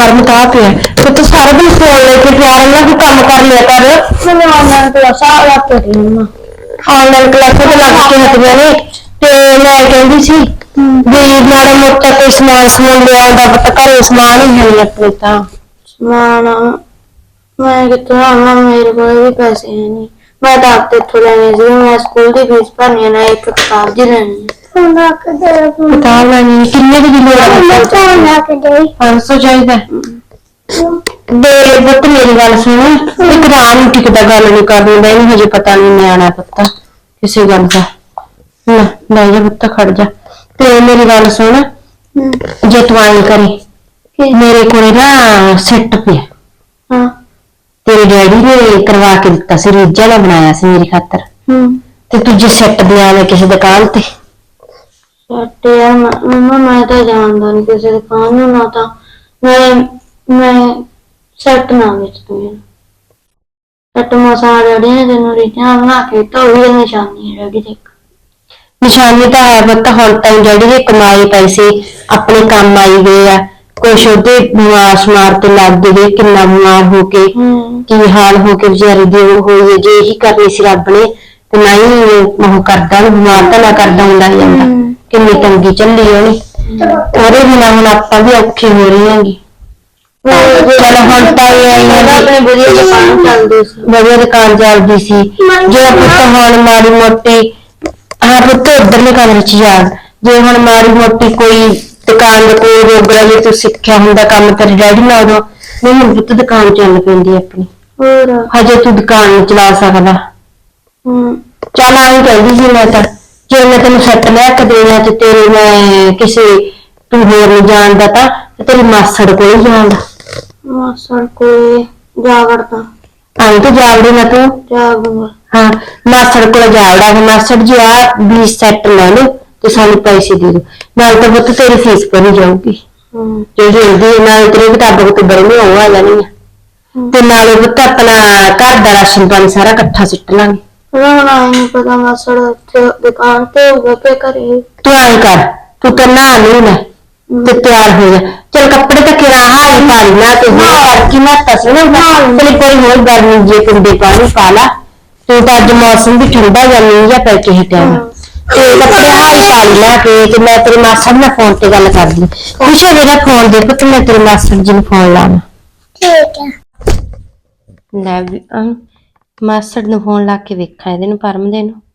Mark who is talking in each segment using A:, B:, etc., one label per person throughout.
A: परम कहा पे तो सारा दिन फोन लेके प्यार ना भी काम कर लिया कर। मैंने ऑनलाइन क्लासा लग के ऑनलाइन क्लासा तो लग के हटिया ने ते मैं कहती सी भी माड़ा मोटा कोई समान समून ले आंदा पता घरे समान ही है अपने ता समान मैं कितना मेरे को भी पैसे है नहीं मैं तो आपसे इत्थों लेने सी मैं स्कूल की फीस भरनी है एक किताब दी लेनी किताब लेनी किन्ने दी लोड़ है 500 चाहिए दे पुत्त मेरी गल सुन एक राम टिकदा गल नहीं करनी मैं हजे पता नहीं न्याणा पत्ता किसी गल का ले जा पुत्त खड़ जा ते मेरी गल सुन जे तू आई करी मेरे को ना सेट पे तेरे डैडी ने करवा के दिता सी रीजा ने बनाया सी मेरी खातर ते तुझे सेट दिया मैं किसी दुकान ते सेट यार मम्मा मैं तो जानदा नहीं किसी दुकान में ना था मैं सेट ना बेच दूंगी सेट मसा डैडी ने तेन रीजा बना के तो वही निशानी है डैडी देख निशानी तो है पता हुण ताईं डैडी दे कमाए पैसे अपने काम आई गए आ कुछ ओदे बीमार शमार ते लग गए किन्ना बीमार होके की हाल होके बेचारी दी होई जे ही करनी सी रब ने ते नहीं ओह करदा बीमार तो ना करदा हुंदा जांदा किन्नी तंगी चली ओने ओरे बिना हुण आपां भी औखी हो रही हैगी चल हुण ताई अपने बढ़िया दुकान चलदी सी जे पुत्त हुण माड़ी मोटी हाँ पुत्त उधरले कमरे च जा जे हुण माड़ी मोटी कोई दुकान कोई रोगरा जे तू सिक्ख्या हुंदा काम तेरे डैडी ने उदों नहीं हुण पुत्त दुकान चल पैंदी अपनी हजे तू दुकान नहीं चला सकदा चल आई कहदी सी मैं तां जे मैं तेन सैट लिया के देना ते तेरे मैं किसी तू होर नहीं जानदा तां तेरी मासड़ कोल जांदा मासड़ कोल जा वड़दा आई तो जावड़ी ना तू जाऊंगा हाँ मासड़ कोल जावड़ा मासड़ जी आ 20 सैट ले लो तो सानू पैसे दे दो नाल तो पुत्त तेरी फीस भरी जाऊगी जो हिंदी नाल तेरी किताबां तो बड़ी हो आ जानी ते नाल पुत्त अपना घर दा राशन पानी सारा इकट्ठा सिट लांगे रोना नहीं पता मासड़ दुकान पे होगा पे करे तू आई कर तू तो ना नहीं ले ते तैयार हो जा चल कपड़े तो किरा हाई पाली ना ते करकी ना तस ना चल कोई होर गर्मी जे कुंडे पानी पाला तो अज मौसम भी ठंडा जानी या पै के टाइम ते कपड़े हाई पाली ना ते मैं तेरे मासड़ ने फोन ते गल कर दी पूछो मेरा फोन दे पुत्त मैं तेरे मासड़ जी ने फोन लाना ठीक है ले भी मासड़ ने फोन ला के वेखा इहदे नूं परम दे नूं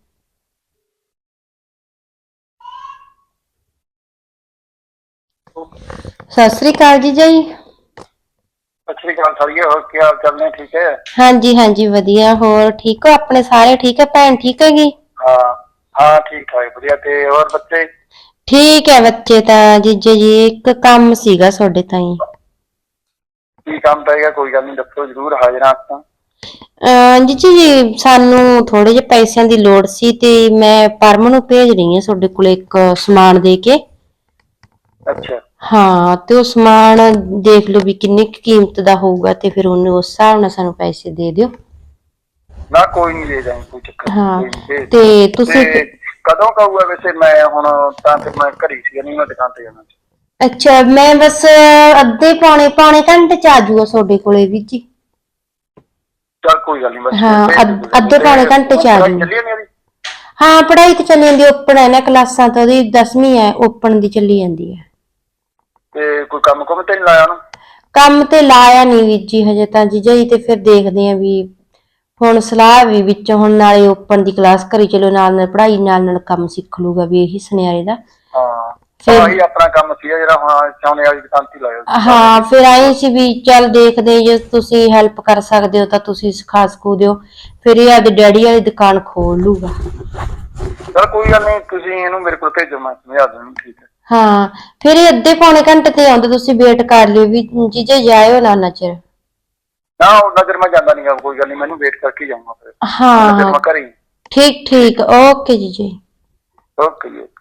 A: सत श्री अकाल जी जी
B: सत श्री अकाल सारिया और क्या हाल चाल ने ठीक है
A: हाँ जी वधिया होर ठीक हो अपने सारे ठीक है भैन ठीक हैगी
B: हाँ हाँ ठीक ठाक बढ़िया ते और बच्चे
A: ठीक है बच्चे तां जीजे जी एक काम सीगा तुहाडे ताईं
B: की काम पएगा कोई गल नहीं दसो जरूर हाजिर हां असां
A: जीजे जी सानू थोड़े जे पैसिਆਂ ਦੀ ਲੋੜ ਸੀ ਤੇ ਮੈਂ ਪਰਮ ਨੂੰ ਭੇਜ ਰਹੀ ਹਾਂ ਤੁਹਾਡੇ ਕੋਲ ਇੱਕ ਸਮਾਨ ਦੇ ਕੇ
B: अच्छा
A: ਹਾਂ ਤੇ ਉਹ ਸਮਾਨ ਦੇਖ ਲਓ ਵੀ ਕਿੰਨੀ ਕੀਮਤ ਦਾ ਹੋਊਗਾ ਤੇ ਫਿਰ ਉਹਨੂੰ ਉਸ ਹਿਸਾਬ ਨਾਲ ਸਾਨੂੰ ਪੈਸੇ ਦੇ ਦਿਓ
B: ना कोई नहीं ले जाएंगे कोई चक्कर
A: हाँ
B: नहीं
A: ते तुसी
B: कदों का हुआ वैसे मैं हुण तां फिर मैं घर ही सी नहीं मैं दुकान ते जाना
A: अच्छा मैं बस अद्धे पौने घंटे च आ जाऊगा ਤੁਹਾਡੇ ਕੋਲੇ ਵੀ ਜੀ
B: चल कोई गल नहीं बस
A: हाँ अद्धे पौने घंटे च आ जाऊंगी हाँ पढ़ाई तो चली जाती ओपन है ना क्लासां तो 10वीं है ओपन दी चली जाती है
B: ते कोई काम कुम ते नहीं लाया ना
A: ਕੰਮ ਤੇ ਲਾਇਆ ਨਹੀਂ ਵੀਰ ਜੀ ਹਜੇ ਤਾਂ ਜੀਜਾ ਜੀ ਤੇ ਫਿਰ ਦੇਖਦੇ ਆਂ ਵੀ ਹੁਣ ਸਲਾਹ ਵੀ ਵਿੱਚ ਹੁਣ ਨਾਲੇ ਓਪਨ ਦੀ ਕਲਾਸ ਕਰੀ ਚਲੋ ਨਾਲ ਪੜ੍ਹਾਈ ਨਾਲ ਕੰਮ ਸਿੱਖ ਲੂਗਾ ਵੀ ਇਹੀ ਸੁਨਿਆਰੇ ਦਾ
B: हाँ ही अपना काम सी जेड़ा हुण चाहुंदे वाली दुकान ते लाया
A: हाँ फिर आए सी भी चल देखदे जे तुसीं हेल्प कर सकदे हो तां तुसीं सिखा सकू दिओ फिर ये आदे डैडी वाली दुकान खोल लूगा
B: चल कोई गल नहीं तुसीं इहनूं मेरे कोल भेजो मैं समझा दूंगा ठीक है
A: हाँ फिर ये अद्धे पौने घंटे ते आउंदे तुसीं वेट कर लिओ भी जीजे जायो ना उन्ना चिर
B: ना उन्ना चिर मैं जांदा नहीं कोई गल नहीं मैनूं वेट करके ही जाऊंगा फिर
A: हाँ
B: मैं घर ही
A: ठीक ओके जीजे
B: ओके जी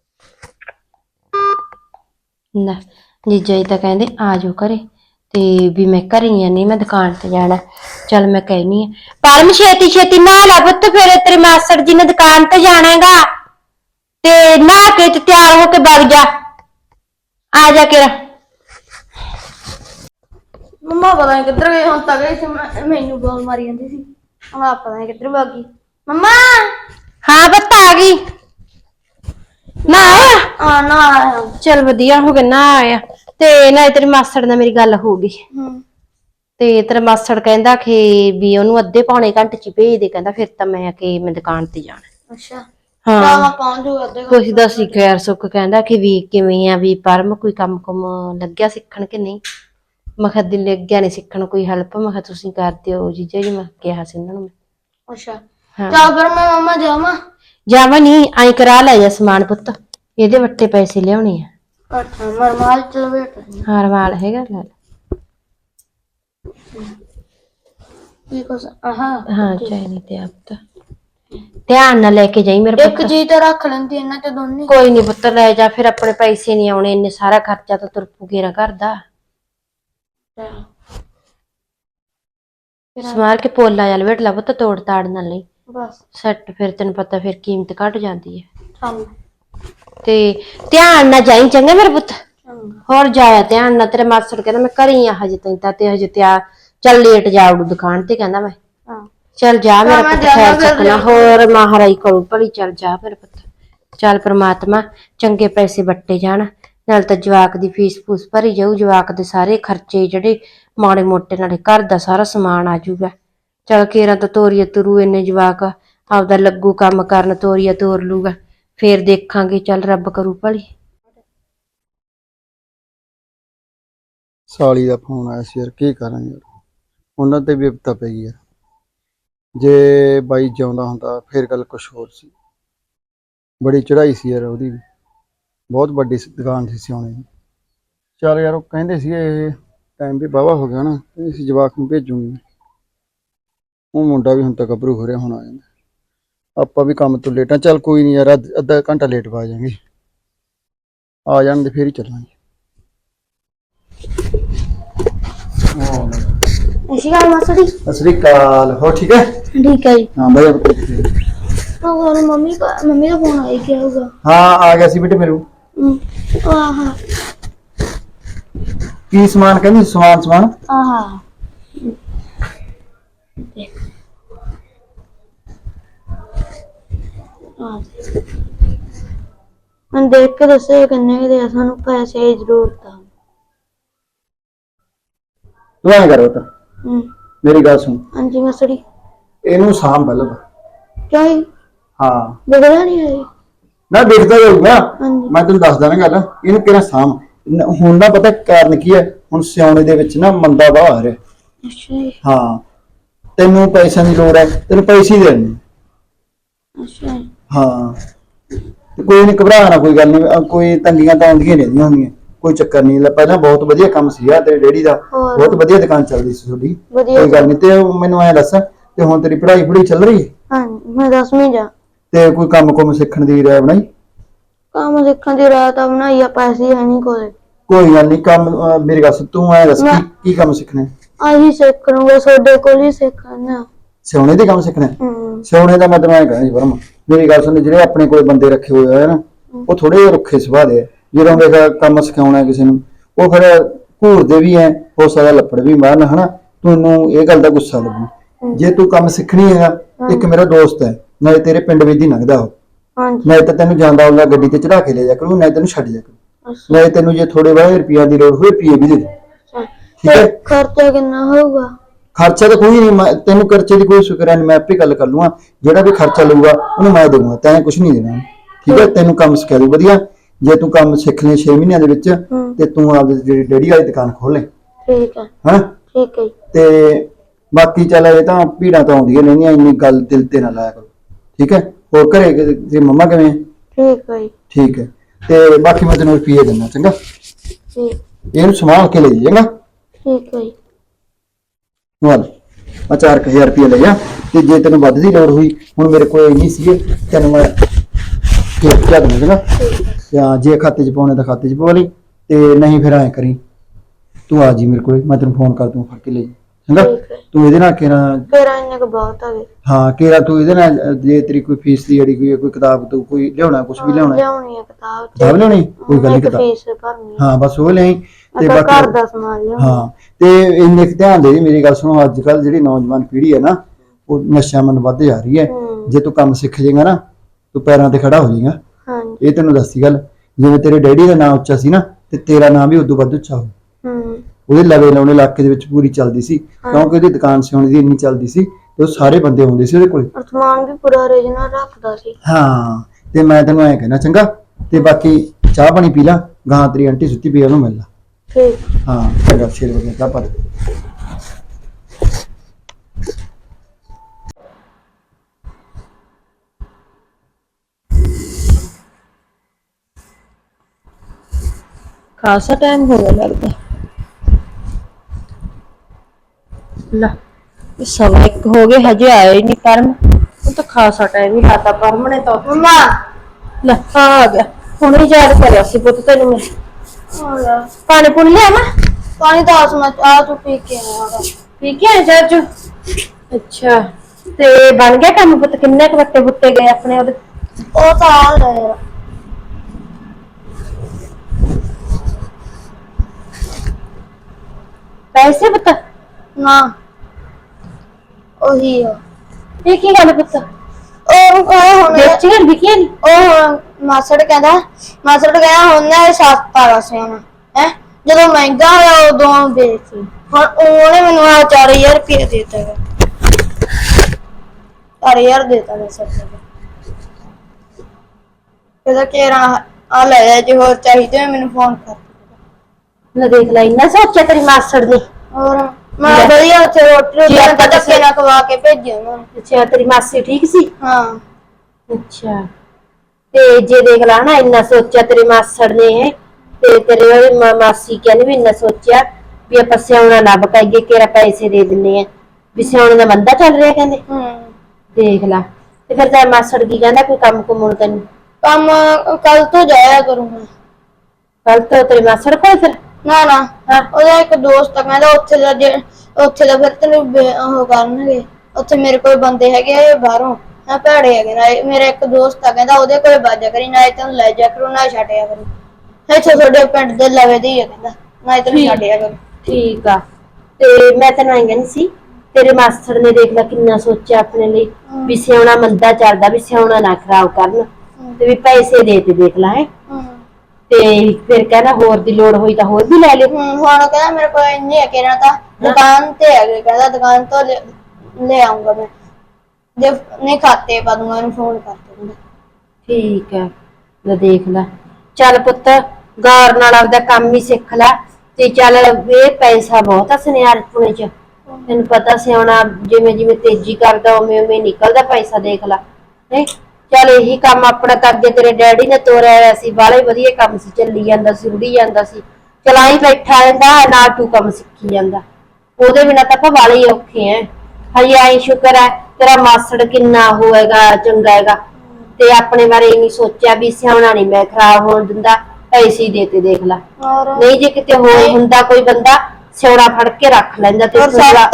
A: ना जीजा जी तो कहते आ जाओ घरे ते भी मैं घर ही नहीं मैं दुकान ते जाना चल मैं कहनी है परम छेती छेती नहा ला पुत्त फिर तेरे मास्टर जी ने दुकान ते जाना हैगा ते नहा के ते तैयार होके बग जा आ जा के ਮੰਮਾ ਪਤਾ ਨਹੀਂ ਕਿੱਧਰ ਗਏ ਹੁਣ ਤਾਂ ਗਏ ਸੀ ਮੈਨੂੰ ਬੋਲ ਮਾਰੀ ਜਾਂਦੀ ਸੀ ਹੁਣ ਆ ਪਤਾ ਨਹੀਂ ਕਿੱਧਰ ਭੱਗ ਗਈ ਮੰਮਾ
C: ਹਾਂ ਪੁੱਤ ਆ ਗਈ ਨਾ ਆਇਆ
A: ਆ ਨਾ ਆਇਆ
C: ਚਲ ਵਧੀਆ ਹੋ ਗਿਆ ਨਾ ਆਇਆ ਤੇ ਨਾ ਤੇਰੀ ਮਾਸੜ ਨਾਲ ਮੇਰੀ ਗੱਲ ਹੋ ਗਈ ਤੇ ਤੇਰਾ ਮਾਸੜ ਕਹਿੰਦਾ ਕਿ ਵੀ ਉਹਨੂੰ ਅੱਧੇ ਪੌਣੇ ਘੰਟੇ ਚ ਭੇਜ ਦੇ ਕਹਿੰਦਾ ਫਿਰ ਤਾਂ ਮੈਂ ਦੁਕਾਨ ਤੇ ਜਾਣਾ
A: ਅੱਛਾ
C: ਹਾਂ
A: ਮੈਂ ਪਹੁੰਚ ਜੂਗਾ ਅੱਧੇ
C: ਪੁੱਛਦਾ ਸੀ ਖੈਰ ਸੁੱਖ ਕਹਿੰਦਾ ਕਿ ਵੀ ਕਿਵੇਂ ਆ ਵੀ ਪਰਮ ਕੋਈ ਕੰਮ ਕੁਮ ਲੱਗਿਆ ਸਿੱਖਣ ਕਿ ਨਹੀਂ ਮੈਂ ਕਿਹਾ ਦਿਲ ਲੱਗਿਆ ਨਹੀਂ ਸਿੱਖਣ ਕੋਈ ਹੈਲਪ ਮੈਂ ਕਿਹਾ ਤੁਸੀਂ ਕਰ ਦਿਓ ਜੀਜਾ ਜੀ ਮੈਂ ਕਿਹਾ ਸੀ ਉਹਨਾਂ ਨੂੰ
A: ਅੱਛਾ
C: ਹਾਂ
A: ਚੱਲ ਫਿਰ ਮੈਂ ਮੰਮਾ ਜਾਵਾਂ
C: ਜਾਵਾਂ ਨਹੀਂ ਆਈ ਕਰਾ ਲੈ ਜਾ ਸਮਾਨ ਪੁੱਤ ਇਹਦੇ ਵੱਟੇ ਪੈਸੇ ਲਿਆਉਣੇ ਆ
A: ਅੱਛਾ ਮਰਮਾਲ ਚਲ ਵੇਟ
C: ਹਾਂ ਰਮਾਲ ਹੈਗਾ ਲੈ
A: ਕੀ ਕੁਛ ਆਹਾ
C: ਹਾਂ ਚਾਹੀਦੀ ਤੇ ਆਪ ਤਾਂ ਧਿਆਨ ਨਾਲ ਲੈ ਕੇ ਜਾਈ ਮੇਰੇ
A: ਇੱਕ ਚੀਜ਼ ਤੇ ਰੱਖ ਲੈਂਦੀ ਇਹਨਾਂ ਤੇ ਦੋਨੇ
C: ਕੋਈ ਨਹੀਂ ਪੁੱਤ ਲੈ ਜਾ ਫਿਰ ਆਪਣੇ ਪੈਸੇ ਨਹੀਂ ਆਉਣੇ ਇੰਨੇ ਸਾਰਾ ਖਰਚਾ ਤਾਂ ਤੁਰਪੂ ਗੇਰਾ ਕਰਦਾ ਸਮਾਰ ਕੇ ਪੋਲਾ ਜਾ ਲਵੇਟ ਲਾ ਪੁੱਤ ਤੋੜ ਤਾੜ ਨਾਲ ਲਈ
A: ਬਸ
C: ਸੈੱਟ ਫਿਰ ਤੈਨੂੰ ਪਤਾ ਫਿਰ ਕੀਮਤ ਘਟ ਜਾਂਦੀ ਹੈ
A: ਚੱਲ
C: ਤੇ ਧਿਆਨ ਨਾਲ ਜਾਈ ਚੰਗਾ ਮੇਰੇ ਪੁੱਤ
A: ਚੰਗਾ
C: ਹੋਰ ਜਾਇਆ ਧਿਆਨ ਨਾਲ ਤੇਰੇ ਮਾਸੜ ਕਹਿੰਦਾ ਮੈਂ ਘਰੀ ਆ ਹਜੇ ਤਾਈਂ ਤੇ ਹਜੇ ਤਿਆਰ ਚੱਲ ਲੇਟ ਜਾਉੜੂ ਦੁਕਾਨ ਤੇ ਕਹਿੰਦਾ ਮੈਂ
A: ਹਾਂ
C: ਚੱਲ ਜਾ ਮੇਰਾ
A: ਮੈਂ
C: ਪੁੱਤ
A: ਜਾਣਾ
C: ਖੈਰ
A: ਫਿਰ
C: ਚੱਕਣਾ ਹੋਰ ਮਹਾਰਾਜ ਕਰੂ ਭਲੀ ਚੱਲ ਜਾ ਮੇਰੇ ਪੁੱਤ ਚੱਲ ਪ੍ਰਮਾਤਮਾ ਚੰਗੇ ਪੈਸੇ ਵੱਟੇ ਜਾਣ ਨਾਲ ਤਾਂ ਜਵਾਕ ਦੀ ਫੀਸ ਫੂਸ ਭਰੀ ਜਾਊ ਜਵਾਕ ਦੇ ਸਾਰੇ ਖਰਚੇ ਜਿਹੜੇ ਮਾੜੇ ਮੋਟੇ ਨਾਲੇ ਘਰ ਦਾ ਸਾਰਾ ਸਮਾਨ ਆ ਜਾਊਗਾ ਚੱਲ ਕੇਰਾਂ ਤਾਂ ਤੋਰੀਆ ਤੁਰੂ ਇੰਨੇ ਜਵਾਕ ਆਪਦਾ ਲੱਗੂ ਕੰਮ ਕਰਨ ਤੋਰੀਆ ਤੋਰ ਲੂਗਾ ਫੇਰ ਦੇਖਾਂਗੇ ਚੱਲ ਰੱਬ ਕਰੂ ਭਲੀ
D: ਸਾਲੀ ਦਾ ਫੋਨ ਆਇਆ ਸੀ ਯਾਰ ਕੀ ਕਰਾਂ ਯਾਰ ਉਹਨਾਂ ਤੇ ਵਿਪਤਾ ਪੈ ਗਈ ਯਾਰ ਜੇ ਬਾਈ ਜਿਉਂਦਾ ਹੁੰਦਾ ਫਿਰ ਗੱਲ ਕੁਝ ਹੋਰ ਸੀ ਬੜੀ ਚੜਾਈ ਸੀ ਯਾਰ ਉਹਦੀ ਵੀ ਬਹੁਤ ਵੱਡੀ ਦੁਕਾਨ ਸੀ ਸਿਉਣੇ ਦੀ ਚੱਲ ਯਾਰ ਉਹ ਕਹਿੰਦੇ ਸੀ ਇਹ ਟਾਈਮ ਵੀ ਵਾਹਵਾ ਹੋ ਗਿਆ ਨਾ ਇਸ ਜਵਾਕ ਨੂੰ ਭੇਜੂਗੀ ਉਹ ਮੁੰਡਾ ਵੀ ਹੁਣ ਤੱਕ ਗੱਭਰੂ ਹੋ ਰਿਹਾ ਹੁਣ ਆ ਜਾਂਦਾ ਆਪਾਂ ਵੀ ਕੰਮ ਤੋਂ ਲੇਟ ਆ ਚੱਲ ਕੋਈ ਨਹੀਂ ਯਾਰ ਅੱਧਾ ਘੰਟਾ ਲੇਟ ਪਾ ਜਾਵਾਂਗੇ ਆ ਜਾਣ ਤੇ ਫੇਰ ਹੀ ਚੱਲਾਂਗੇ
A: ਅਸ਼ੀ ਗੱਲ ਮਾਸੜੀ
D: ਸਤਿ ਸ੍ਰੀ ਅਕਾਲ ਹੋ ਠੀਕ ਹੈ
A: ਠੀਕ ਹੈ ਜੀ
D: ਹਾਂ ਬਾਈ
A: ਉਹ ਮੰਮੀ ਦਾ ਫੋਨ ਆਇਆ ਕੀ ਹੋਊਗਾ
D: ਹਾਂ ਆ ਗਿਆ ਸੀ ਬੇਟੇ ਮੇਰੇ
A: ਆਹਾ
D: ਕੀ ਸਮਾਨ ਕਹਿੰਦੀ ਸਮਾਨ
A: ਆਹਾ ਮੈਂ ਦੇਖ ਕੇ ਦੱਸੇ ਕਿੰਨੇ ਦੇ ਸਾਨੂੰ ਪੈਸੇ ਦੀ ਜ਼ਰੂਰਤ ਆ
D: ਤੂੰ ਐਂ ਕਰ ਤਾਂ ਮੇਰੀ ਗੱਲ ਸੁਣ
A: ਹਾਂਜੀ ਮਾਸੜੀ
D: ਇਹਨੂੰ ਸਾਂਭ ਪਹਿਲਾਂ
A: ਕਿਉਂ ਜੀ
D: ਹਾਂ
A: ਬਗੜਾ ਨਹੀਂ ਹੈ
D: ਨਾ ਦੇਖਦਾ ਜਾਊਗਾ
A: ਹਾਂਜੀ
D: ਮੈਂ ਤੈਨੂੰ ਦੱਸਦਾ ਨਾ ਗੱਲ ਇਹਨੂੰ ਕਿਹੜਾ ਸਾਂਭ ਹੁਣ ਨਾ ਪਤਾ ਕਾਰਨ ਕੀ ਹੈ ਹੁਣ ਸਿਆਉਣੇ ਦੇ ਵਿੱਚ ਨਾ ਮੰਦਾ ਭਾਅ ਆ ਰਿਹਾ
A: ਅੱਛਾ ਜੀ
D: ਹਾਂ ਤੈਨੂੰ ਪੈਸਿਆਂ ਦੀ ਲੋੜ ਹੈ ਤੈਨੂੰ ਪੈਸੇ ਹੀ ਦੇਣੇ
A: ਅੱਛਾ ਜੀ
D: ਹਾਂ ਤੇ ਕੋਈ ਨਹੀਂ ਘਬਰਾ ਨਾ ਕੋਈ ਗੱਲ ਨਹੀਂ ਕੋਈ ਤੰਗੀਆਂ ਤਾਂ ਆਉਂਦੀਆਂ ਰਹਿੰਦੀਆਂ ਹੁੰਦੀਆਂ ਕੋਈ ਚੱਕਰ ਨਹੀਂ ਪਹਿਲਾਂ ਬਹੁਤ ਵਧੀਆ ਕੰਮ ਸੀਗਾ ਤੇਰੇ ਡੈਡੀ ਦਾ ਬਹੁਤ ਵਧੀਆ ਦੁਕਾਨ ਚੱਲਦੀ ਸੀ ਤੁਹਾਡੀ
A: ਵਧੀਆ
D: ਕੋਈ ਗੱਲ ਨਹੀਂ ਤੇ ਮੈਨੂੰ ਐਂ ਦੱਸ ਤੇ ਹੁਣ ਤੇਰੀ ਪੜ੍ਹਾਈ ਛੱਲ ਰਹੀ ਹੈ
A: ਹਾਂ ਮੈਂ 10ਵੀਂ ਜਾ
D: ਤੇ ਕੋਈ ਕੰਮ ਕੁਮ ਸਿੱਖਣ ਦੀ ਰਾਇ ਬਣਾਈ
A: ਕੰਮ ਸਿੱਖਣ ਦੀ ਰਾਤ ਆ ਬਣਾਈ ਆ ਪੈਸੇ ਹੈ ਨਹੀਂ ਕੋਲੇ
D: ਕੋਈ ਗੱਲ ਨਹੀਂ ਕੰਮ ਮੇਰੀ ਗੱਲ ਸੁਣ ਤੂੰ ਐਂ ਦੱਸ ਕੀ ਕੰਮ ਸਿੱਖਣਾ ਹੈ?
A: ਆਹੀ ਸਿੱਖ ਲੂੰਗਾ ਤੁਹਾਡੇ ਕੋਲ ਹੀ ਸਿੱਖਣਾ
D: ਸਿਉਣੇ ਦੇ ਕੰਮ ਸਿੱਖਣਾ ਹੈ? ਸਿਉਣੇ ਦਾ ਮੈਂ ਤੈਨੂੰ ਐਂ ਕਹਿੰਦਾ ਜੀ ਵਰਮਾ ਮੇਰੀ ਗੱਲ ਸੁਣ ਜਿਹੜੇ ਆਪਣੇ ਕੋਲ ਬੰਦੇ ਰੱਖੇ ਹੋਏ ਆ ਨਾ ਉਹ ਥੋੜੇ ਰੁੱਖੇ ਸੁਭਾਅ ਦੇ ਆ ਜਦੋਂ ਵੇਖ ਕੰਮ ਸਿਖਾਉਣਾ ਕਿਸੇ ਨੂੰ ਉਹ ਫਿਰ ਘੂਰਦੇ ਵੀ ਐ ਹੋ ਸਕਦਾ ਲੱਪੜ ਵੀ ਮਾਰਨ ਹਨਾ ਤੁਹਾਨੂੰ ਇਹ ਗੱਲ ਦਾ ਗੁੱਸਾ ਲੱਗੂ ਜੇ ਤੂੰ ਕੰਮ ਸਿੱਖਣੀ ਹੈਗਾ ਇੱਕ ਮੇਰਾ ਦੋਸਤ ਹੈ ਨਾਲੇ ਤੇਰੇ ਪਿੰਡ ਵਿੱਚ ਹੀ ਲੰਘਦਾ ਉਹ
A: ਹਾਂਜੀ
D: ਨਾਲੇ ਤਾਂ ਤੈਨੂੰ ਜਾਂਦਾ ਹੁੰਦਾ ਗੱਡੀ ਤੇ ਚੜਾ ਕੇ ਲੈ ਜਾ ਕਰੂ ਨਾਲੇ ਤੈਨੂੰ ਛੱਡ ਜਾ ਕਰੂ ਨਾਲੇ ਤੈਨੂੰ ਜੇ ਥੋੜੇ ਬਾਹਰ ਰੁਪਈਆ ਦੀ ਲੋੜ ਹੋਵੇ ਰੁਪਈਏ ਵੀ ਦੇ ਦੇ ਠੀਕ ਹੈ
A: ਖਰਚਾ ਕਿੰਨਾ ਹੋਊਗਾ
D: ਖਰਚਾ ਤਾਂ ਕੋਈ ਨਹੀਂ ਤੈਨੂੰ ਖਰਚੇ ਦੀ ਕੋਈ ਫਿਕਰ ਨਹੀਂ ਮੈਂ ਆਪੇ ਗੱਲ ਕਰ ਲੂੰਗਾ ਜਿਹੜਾ ਵੀ ਖਰਚਾ ਲਊਗਾ ਉਹਨੂੰ ਮੈਂ ਦੇਵਾਂਗਾ ਤੈਨੂੰ ਕੁਝ ਨਹੀਂ ਦੇਣਾ ਠੀਕ ਹੈ ਤੈਨੂੰ ਕੰਮ ਸਿਖਾ ਦੂ ਵਧੀਆ ਜੇ ਤੂੰ ਕੰਮ ਸਿੱਖ ਲੈ 6 ਮਹੀਨਿਆਂ ਦੇ ਵਿੱਚ ਤੇ ਤੂੰ ਆਪਦੀ ਜਿਹੜੀ ਡੈਡੀ ਵਾਲੀ ਦੁਕਾਨ ਖੋਲ ਲੈ
A: ਠੀਕ ਹੈ
D: ਹਾਂ
A: ਠੀਕ ਹੈ
D: ਤੇ ਬਾਕੀ ਚੱਲ ਇਹ ਤਾਂ ਭੀੜਾਂ ਤਾਂ ਆਉਂਦੀਆਂ ਰਹਿੰਦੀਆਂ ਇੰਨੀ ਗੱਲ ਦਿਲ ਤੇ ਨਾ ਲਾਇਆ ਕਰੋ ਠੀਕ ਹੈ ਹੋਰ ਘਰੇ ਤੇ ਮੰਮਾ ਕਿਵੇਂ
A: ਠੀਕ ਹੈ ਜੀ
D: ਠੀਕ ਹੈ ਤੇ ਬਾਕੀ ਮੈਂ ਤੈਨੂੰ ਰੁਪਈਏ ਦਿੰਦਾ ਚੰਗਾ
A: ਠੀਕ
D: ਇਹਨੂੰ ਸੰਭਾਲ ਕੇ ਲੈ ਜੀ ਚੰਗਾ
A: ਠੀਕ ਹੈ ਜੀ
D: ਵਾਲ ਆ 4000 ਰੁਪਏ ਲੈ ਜਾ ਤੇ ਜੇ ਤੈਨੂੰ ਵੱਧ ਦੀ ਲੋੜ ਹੋਈ ਹੁਣ ਮੇਰੇ ਕੋਲ ਨਹੀਂ ਸੀਗੇ ਤੈਨੂੰ ਮੈਂ ਕਿਹਾ ਦੂੰਗਾ ਜਾਂ ਜੇ ਖਾਤੇ 'ਚ ਪਾਉਣੇ ਤਾਂ ਖਾਤੇ 'ਚ ਪਵਾ ਲਈ ਤੇ ਨਹੀਂ ਫਿਰ ਐਂ ਕਰੀ ਤੂੰ ਆ ਜੀ ਮੇਰੇ ਕੋਲ ਮੈਂ ਤੈਨੂੰ ਫੋਨ ਕਰ ਦੂੰ ਫੜ ਕੇ ਲੈ ਜੀ ਚੰਗਾ ਤੂੰ ਇਹਦੇ ਨਾਲ ਕਿਹੜਾ
A: ਫਿਰ ਇੰਨੇ ਕੁ ਬਹੁਤ ਆ ਗਏ
D: ਹਾਂ ਕਿਹੜਾ ਤੂੰ ਇਹਦੇ ਨਾਲ ਜੇ ਤੇਰੀ ਕੋਈ ਫੀਸ ਦੀ ਜਿਹੜੀ ਕੋਈ ਕਿਤਾਬ ਤੂੰ ਕੋਈ ਲਿਆਉਣਾ ਕੁਝ ਵੀ ਲਿਆਉਣਾ
A: ਲਿਆਉਣੀ ਹੈ ਕਿਤਾਬ
D: ਲਿਆਉਣੀ ਕੋਈ ਗੱਲ ਨਹੀਂ ਕਿਤਾਬ
A: ਫੀਸ ਭਰਨੀ
D: ਹਾਂ ਬਸ ਉਹ ਲੈ ਤੇ
A: ਬਾਕੀ ਘਰ ਦਾ ਸਮਾਨ ਲਿਆਉਣਾ
D: ਹਾਂ ਤੇ ਇੰਨੇ ਕੁ ਧਿਆਨ ਦੇ ਮੇਰੀ ਗੱਲ ਸੁਣੋ, ਅੱਜ ਕੱਲ ਜਿਹੜੀ ਨੌਜਵਾਨ ਪੀੜ੍ਹੀ ਹੈ ਨਾ ਉਹ ਨਸ਼ਿਆਂ ਵੱਲ ਵੱਧ ਜਾ ਰਹੀ ਹੈ। ਜੇ ਤੂੰ ਕੰਮ ਸਿੱਖ ਜਾਏਗਾ ਨਾ ਤੂੰ ਪੈਰਾਂ ਤੇ ਖੜਾ ਹੋ ਜਾਏਗਾ।
A: ਹਾਂਜੀ।
D: ਇਹ ਤੈਨੂੰ ਦੱਸੀ ਗੱਲ, ਜਿਵੇਂ ਤੇਰੇ ਡੈਡੀ ਦਾ ਨਾਮ ਉੱਚਾ ਸੀ ਨਾ ਤੇ ਤੇਰਾ ਨਾਮ ਵੀ ਉਦੋਂ ਵੱਧ ਉੱਚਾ ਹੋ। ਉਹਦੇ ਲਵੇ ਲਾਉਣੇ ਇਲਾਕੇ ਦੇ ਵਿੱਚ ਪੂਰੀ ਚੱਲਦੀ ਸੀ, ਕਿਉਂਕਿ ਉਹਦੀ ਦੁਕਾਨ ਸਿਉਣੇ ਦੀ ਇੰਨੀ ਚੱਲਦੀ ਸੀ ਤੇ ਉਹ ਸਾਰੇ ਬੰਦੇ ਆਉਂਦੇ ਸੀ ਉਹਦੇ ਕੋਲ।
A: ਸਮਾਨ ਵੀ ਪੂਰਾ ਓਰੀਜਨਲ ਰੱਖਦਾ ਸੀ।
D: ਹਾਂ ਤੇ ਮੈਂ ਤੈਨੂੰ ਐਂ ਕਹਿਣਾ ਚੰਗਾ, ਤੇ ਬਾਕੀ ਚਾਹ ਪਾਣੀ ਪੀ ਲਾ, ਗਾਂ ਤੇਰੀ ਆਂਟੀ ਸੁੱਤੀ ਪਈ ਉਹਨੂੰ ਮਿਲ ਲਾ।
A: ਠੀਕ।
D: ਹਾਂ ਚੰਗਾ, 6 ਵਜੇ ਚਾਹ ਪਾ ਦੇ।
C: ਖਾਸਾ ਟਾਈਮ ਹੋ ਗਿਆ ਲੱਗਦਾ। ਲਾ ਸਵਾ 1 ਹੋ ਗਏ, ਹਜੇ ਆਇਆ ਹੀ ਨਹੀਂ ਪਰਮ। ਉਹ ਤਾਂ ਖਾਸਾ ਟਾਈਮ ਹੀ ਲਾਤਾ ਪਰਮ ਨੇ ਤਾਂ।
A: ਮੰਮਾ
C: ਲੈ ਆ ਗਿਆ, ਹੁਣੇ ਯਾਦ ਕਰਿਆ ਸੀ ਪੁੱਤ ਤੈਨੂੰ ਮੈਂ। ਪਾਣੀ ਪੂਣੀ ਲਿਆਵਾਂ?
A: ਪਾਣੀ ਤਾਂ ਆਸਮਾ ਆ ਤੂੰ ਪੀ ਕੇ ਆਇਆ।
C: ਪੀ ਕੇ ਆਇਆ ਚਾਚੂ? ਅੱਛਾ, ਤੇ ਬਣ ਗਿਆ ਕੰਮ ਪੁੱਤ? ਕਿੰਨੇ ਕੁ ਵੱਟੇ ਬੁੱਟੇ ਗਏ ਆਪਣੇ ਉਹਦੇ?
A: ਉਹ ਤਾਂ ਆ ਰਿਹਾ।
C: ਪੈਸੇ ਪੁੱਤ?
A: ਨਾ ਉਹੀ ਆ।
C: ਇਹ ਕੀ ਗੱਲ ਪੁੱਤ?
A: ਉਹ ਹੁਣ
C: ਵੇਚ ਕੇ ਵਿਕਿਆ ਨੀ?
A: ਉਹ ਮਾਸੜ ਕਹਿੰਦਾ ਹੁਣ ਨਾ ਸਸਤਾ ਰਸਿਆ ਹੈ, ਜਦੋਂ ਮਹਿੰਗਾ ਹੋਇਆ ਉਦੋਂ ਵੇਚ। ਹੁਣ ਉਹਨੇ ਮੈਨੂੰ 4000 ਰੁਪਏ ਦੇ ਦਿੱਤਾ। 4000 ਦੇਤਾ ਮੈਂ ਸਭ ਨੂੰ। ਇਹਦਾ ਕੇਰਾ ਆ ਲੈ ਜਾ, ਜੇ ਹੋਰ ਚਾਹੀਦੇ ਮੈਨੂੰ ਫੋਨ ਕਰ।
C: ਲੈ ਦੇਖ ਲੈ, ਇੰਨਾ ਸੋਚਿਆ ਤੇਰੀ ਮਾਸੜ ਨੇ।
A: ਹੋਰ ਮੈਂ ਵਧੀਆ ਉੱਥੇ ਰੋਟੀ ਤਾਂ ਧੱਕੇ ਨਾਲ ਖਵਾ ਕੇ ਭੇਜੀ ਉਹਨਾਂ ਨੂੰ।
C: ਅੱਛਾ, ਤੇਰੀ ਮਾਸੀ ਠੀਕ ਸੀ?
A: ਹਾਂ।
C: ਅੱਛਾ, ਤੇ ਜੇ ਦੇਖ ਲਾ ਨਾ ਇੰਨਾ ਸੋਚਿਆ ਤੇਰੇ ਮਾਸੜ ਨੇ, ਤੇ ਤੇਰੇ ਮਾਸੀ ਕਹਿੰਦੀ ਵੀ ਇੰਨਾ ਸੋਚਿਆ ਵੀ ਆਪਾਂ ਸਿਆਉਣਾ ਨਾ ਬਕਾਈਏ, ਕਿਹੜਾ ਪੈਸੇ ਦੇ ਦਿੰਨੇ ਆ ਵੀ ਸਿਆਉਣੇ ਦਾ ਮੰਦਾ ਚੱਲ ਰਿਹਾ ਕਹਿੰਦੇ। ਦੇਖ ਲਾ, ਤੇ ਫਿਰ ਤੇਰਾ ਮਾਸੜ ਕੀ ਕਹਿੰਦਾ, ਕੋਈ ਕੰਮ ਕੁੰਮ ਤੈਨੂੰ?
A: ਕੰਮ ਕੱਲ ਤੋਂ ਜਾਇਆ ਕਰੂੰਗਾ।
C: ਕੱਲ ਤੋਂ ਤੇਰੇ ਮਾਸੜ ਕੋਲ? ਫਿਰ
A: ਨਾ ਉਹਦਾ ਇੱਕ ਦੋਸਤ ਆ, ਕਹਿੰਦਾ ਉੱਥੇ ਦਾ ਫਿਰ ਤੈਨੂੰ ਉਹ ਕਰਨਗੇ। ਉੱਥੇ ਮੇਰੇ ਕੋਲ ਬੰਦੇ ਹੈਗੇ ਆ ਬਾਹਰੋਂ, ਨਾ ਭੈੜੇ ਹੈਗੇ ਨਾ। ਮੇਰਾ ਇੱਕ ਦੋਸਤ ਆ, ਕਹਿੰਦਾ ਉਹਦੇ ਕੋਲ ਬਾਜਾ ਕਰੀ, ਨਾ ਤੈਨੂੰ ਲੈ ਜਾ ਕਰੂ ਨਾ ਛੱਡਿਆ ਕਰੂ। ਇੱਥੇ ਤੁਹਾਡੇ ਪਿੰਡ ਦੇ ਲਵੇ ਦੇ ਹੀ ਆ, ਕਹਿੰਦਾ ਨਾ ਤੈਨੂੰ ਛੱਡਿਆ ਕਰੂ।
C: ਠੀਕ ਆ, ਤੇ ਮੈਂ ਤੈਨੂੰ ਆਈ ਕਹਿੰਦੀ ਸੀ, ਤੇਰੇ ਮਾਸੜ ਨੇ ਦੇਖ ਲੈ ਕਿੰਨਾ ਸੋਚਿਆ ਆਪਣੇ ਲਈ ਵੀ ਸਿਆਉਣਾ ਮੰਦਾ ਚੱਲਦਾ, ਵੀ ਸਿਆਉਣਾ ਨਾ ਖਰਾਬ ਕਰਨ, ਤੇ ਵੀ ਪੈਸੇ ਦੇ ਤੇ ਦੇਖ ਲੈ। ਤੇ ਫਿਰ ਕਹਿੰਦਾ ਹੋਰ ਦੀ ਲੋੜ ਹੋਈ ਤਾਂ ਹੋਰ ਵੀ ਲੈ ਲਿਓ।
A: ਹੁਣ ਕਹਿੰਦਾ ਮੇਰੇ ਕੋਲ ਇੰਨੇ ਹੈ, ਕਿਹੜਾ ਤਾਂ ਦੁਕਾਨ ਤੇ ਹੈਗੇ, ਕਹਿੰਦਾ ਦੁਕਾਨ ਤੋਂ ਲੈ ਆਉਂਗਾ ਮੈਂ, ਜੇ ਨਹੀਂ ਖਾਤੇ ਪਾ ਦੂੰਗਾ, ਇਹਨੂੰ ਫੋਨ ਕਰ ਦੂੰਗਾ।
C: ਠੀਕ ਹੈ, ਲੈ ਦੇਖ ਲੈ, ਚੱਲ ਪੁੱਤ ਗੌਰ ਨਾਲ ਆਪਦਾ ਕੰਮ ਹੀ ਸਿੱਖ ਲੈ, ਤੇ ਚੱਲ ਇਹ ਪੈਸਾ ਬਹੁਤ ਆ ਸੁਨਿਆਰ ਪੁਣੇ ਚ, ਤੈਨੂੰ ਪਤਾ ਸਿਆਉਣਾ ਜਿਵੇਂ ਜਿਵੇਂ ਤੇਜ਼ੀ ਕਰਦਾ ਉਵੇਂ ਉਵੇਂ ਨਿਕਲਦਾ ਪੈਸਾ। ਦੇਖ ਲੈ ਨਹੀਂ, ਚੱਲ ਇਹੀ ਕੰਮ ਆਪਣਾ ਤਾਂ ਅੱਗੇ ਤੇਰੇ ਡੈਡੀ ਨੇ ਤੋਰਿਆ ਹੋਇਆ ਸੀ, ਬਾਹਲਾ ਵਧੀਆ ਕੰਮ ਸੀ, ਚੱਲੀ ਜਾਂਦਾ ਸੀ, ਰੁੜੀ ਜਾਂਦਾ ਸੀ, ਚਲਾਈ ਬੈਠਾ ਰਹਿੰਦਾ ਨਾਲ ਤੂੰ ਕੰਮ ਸਿੱਖੀ ਜਾਂਦਾ। ਉਹਦੇ ਬਿਨਾਂ ਤਾਂ ਆਪਾਂ ਬਾਹਲੇ ਹੀ ਔਖੇ ਐ। ਹਜੇ ਆਈ ਸ਼ੁਕਰ ਹੈ ਤੇਰਾ ਮਾਸੜ ਕਿੰਨਾ ਹੋਏਗਾ, ਚੰਗਾ ਹੈਗਾ, ਤੇ ਆਪਣੇ ਬਾਰੇ ਇਹ ਨੀ ਸੋਚਿਆ ਵੀ ਸਿਆਉਣਾ ਨੀ ਮੈਂ ਖਰਾਬ ਹੋਣ ਦਿੰਦਾ, ਪੈਸੇ ਦੇ ਤੇ ਦੇਖ ਲੈ। ਨਹੀਂ ਜੇ ਕਿਤੇ ਹੋਰ ਹੁੰਦਾ ਕੋਈ ਬੰਦਾ, ਸਿਆਉਣਾ ਫੜ ਕੇ ਰੱਖ ਲੈਂਦਾ ਤੇ ਜਵਾਕ,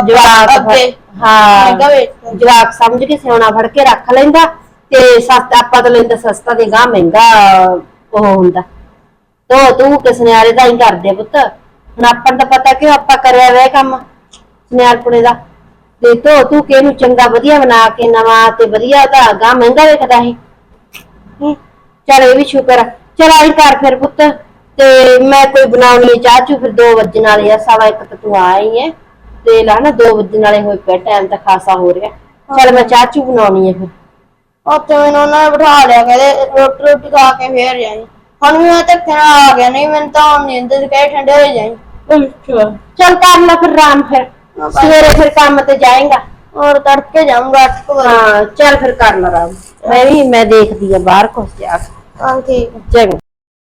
C: ਹਾਂ ਜਵਾਕ ਸਮਝ ਕੇ ਸਿਆਉਣਾ ਫੜ ਕੇ ਰੱਖ ਲੈਂਦਾ, ਤੇ ਸਸਤਾ ਆਪਾਂ ਤਾਂ ਲੈਂਦਾ ਸਸਤਾ ਤੇ ਗਾਹ ਮਹਿੰਗਾ ਉਹ ਹੁੰਦਾ। ਤੂੰ ਕਿ ਸੁਨਿਆਰੇ ਦਾ ਹੀ ਕਰਦੇ ਪੁੱਤ, ਹੁਣ ਆਪਾਂ ਨੂੰ ਤਾਂ ਪਤਾ ਕਿ ਆਪਾਂ ਕਰਿਆ ਵਾ ਕੰਮ ਸੁਨਿਆਰਪੁਣੇ ਦਾ, ਤੇ ਤੂੰ ਕਿ ਇਹਨੂੰ ਚੰਗਾ ਵਧੀਆ ਬਣਾ ਕੇ ਨਵਾਂ ਤੇ ਵਧੀਆ ਤਾਂ ਗਾਹ ਮਹਿੰਗਾ ਵੇਖਦਾ ਇਹ। ਚੱਲ ਇਹ ਵੀ ਸ਼ੁਕਰ ਆ। ਚੱਲ ਆਈ ਕਰ ਫਿਰ ਪੁੱਤ, ਤੇ ਮੈਂ ਕੋਈ ਬਣਾਉਣੀ ਚਾਹ ਚੂ, ਫਿਰ 2 ਵਜਣ ਵਾਲੇ ਆ, 1:15 ਤਾਂ ਤੂੰ ਆ ਹੀ ਹੈ, ਤੇ ਲਾ ਨਾ 2 ਵਜਣ ਵਾਲੇ ਹੋਏ ਪਿਆ, ਟਾਈਮ ਤਾਂ ਖਾਸਾ ਹੋ ਰਿਹਾ। ਚੱਲ ਮੈਂ ਚਾਹ ਚੂ ਬਣਾਉਣੀ ਹੈ ਫਿਰ।
A: ਉੱਥੇ ਮੈਨੂੰ ਉਹਨਾਂ ਨੇ ਬਿਠਾ ਲਿਆ, ਕਹਿੰਦੇ ਰੋਟੀ ਖਾ ਕੇ ਫੇਰ ਜਾਈ। ਹੁਣ ਵੀ ਮੈਂ ਧੱਕੇ ਨਾਲ ਆ ਗਿਆ, ਨਹੀਂ ਮੈਨੂੰ ਤਾਂ ਹੁਣ ਨੀਂਦ ਚ ਕਹੇ ਠੰਡੇ ਹੋ ਜਾਈ।
C: ਅੱਛਾ ਚੱਲ ਕਰ ਲੈ ਫਿਰ ਆਰਾਮ, ਫਿਰ ਸਵੇਰੇ ਫਿਰ ਕੰਮ ਤੇ ਜਾਏਗਾ।
A: ਹੋਰ ਤੜਕੇ ਜਾਊਂਗਾ 8 ਵਜੇ।
C: ਹਾਂ ਚੱਲ ਫਿਰ ਕਰ ਲੈ ਆਰਾਮ, ਮੈਂ ਦੇਖਦੀ ਆ ਬਾਹਰ ਕੁਛ ਜਾ ਕੇ।
A: ਹਾਂ ਠੀਕ
C: ਚੰਗਾ।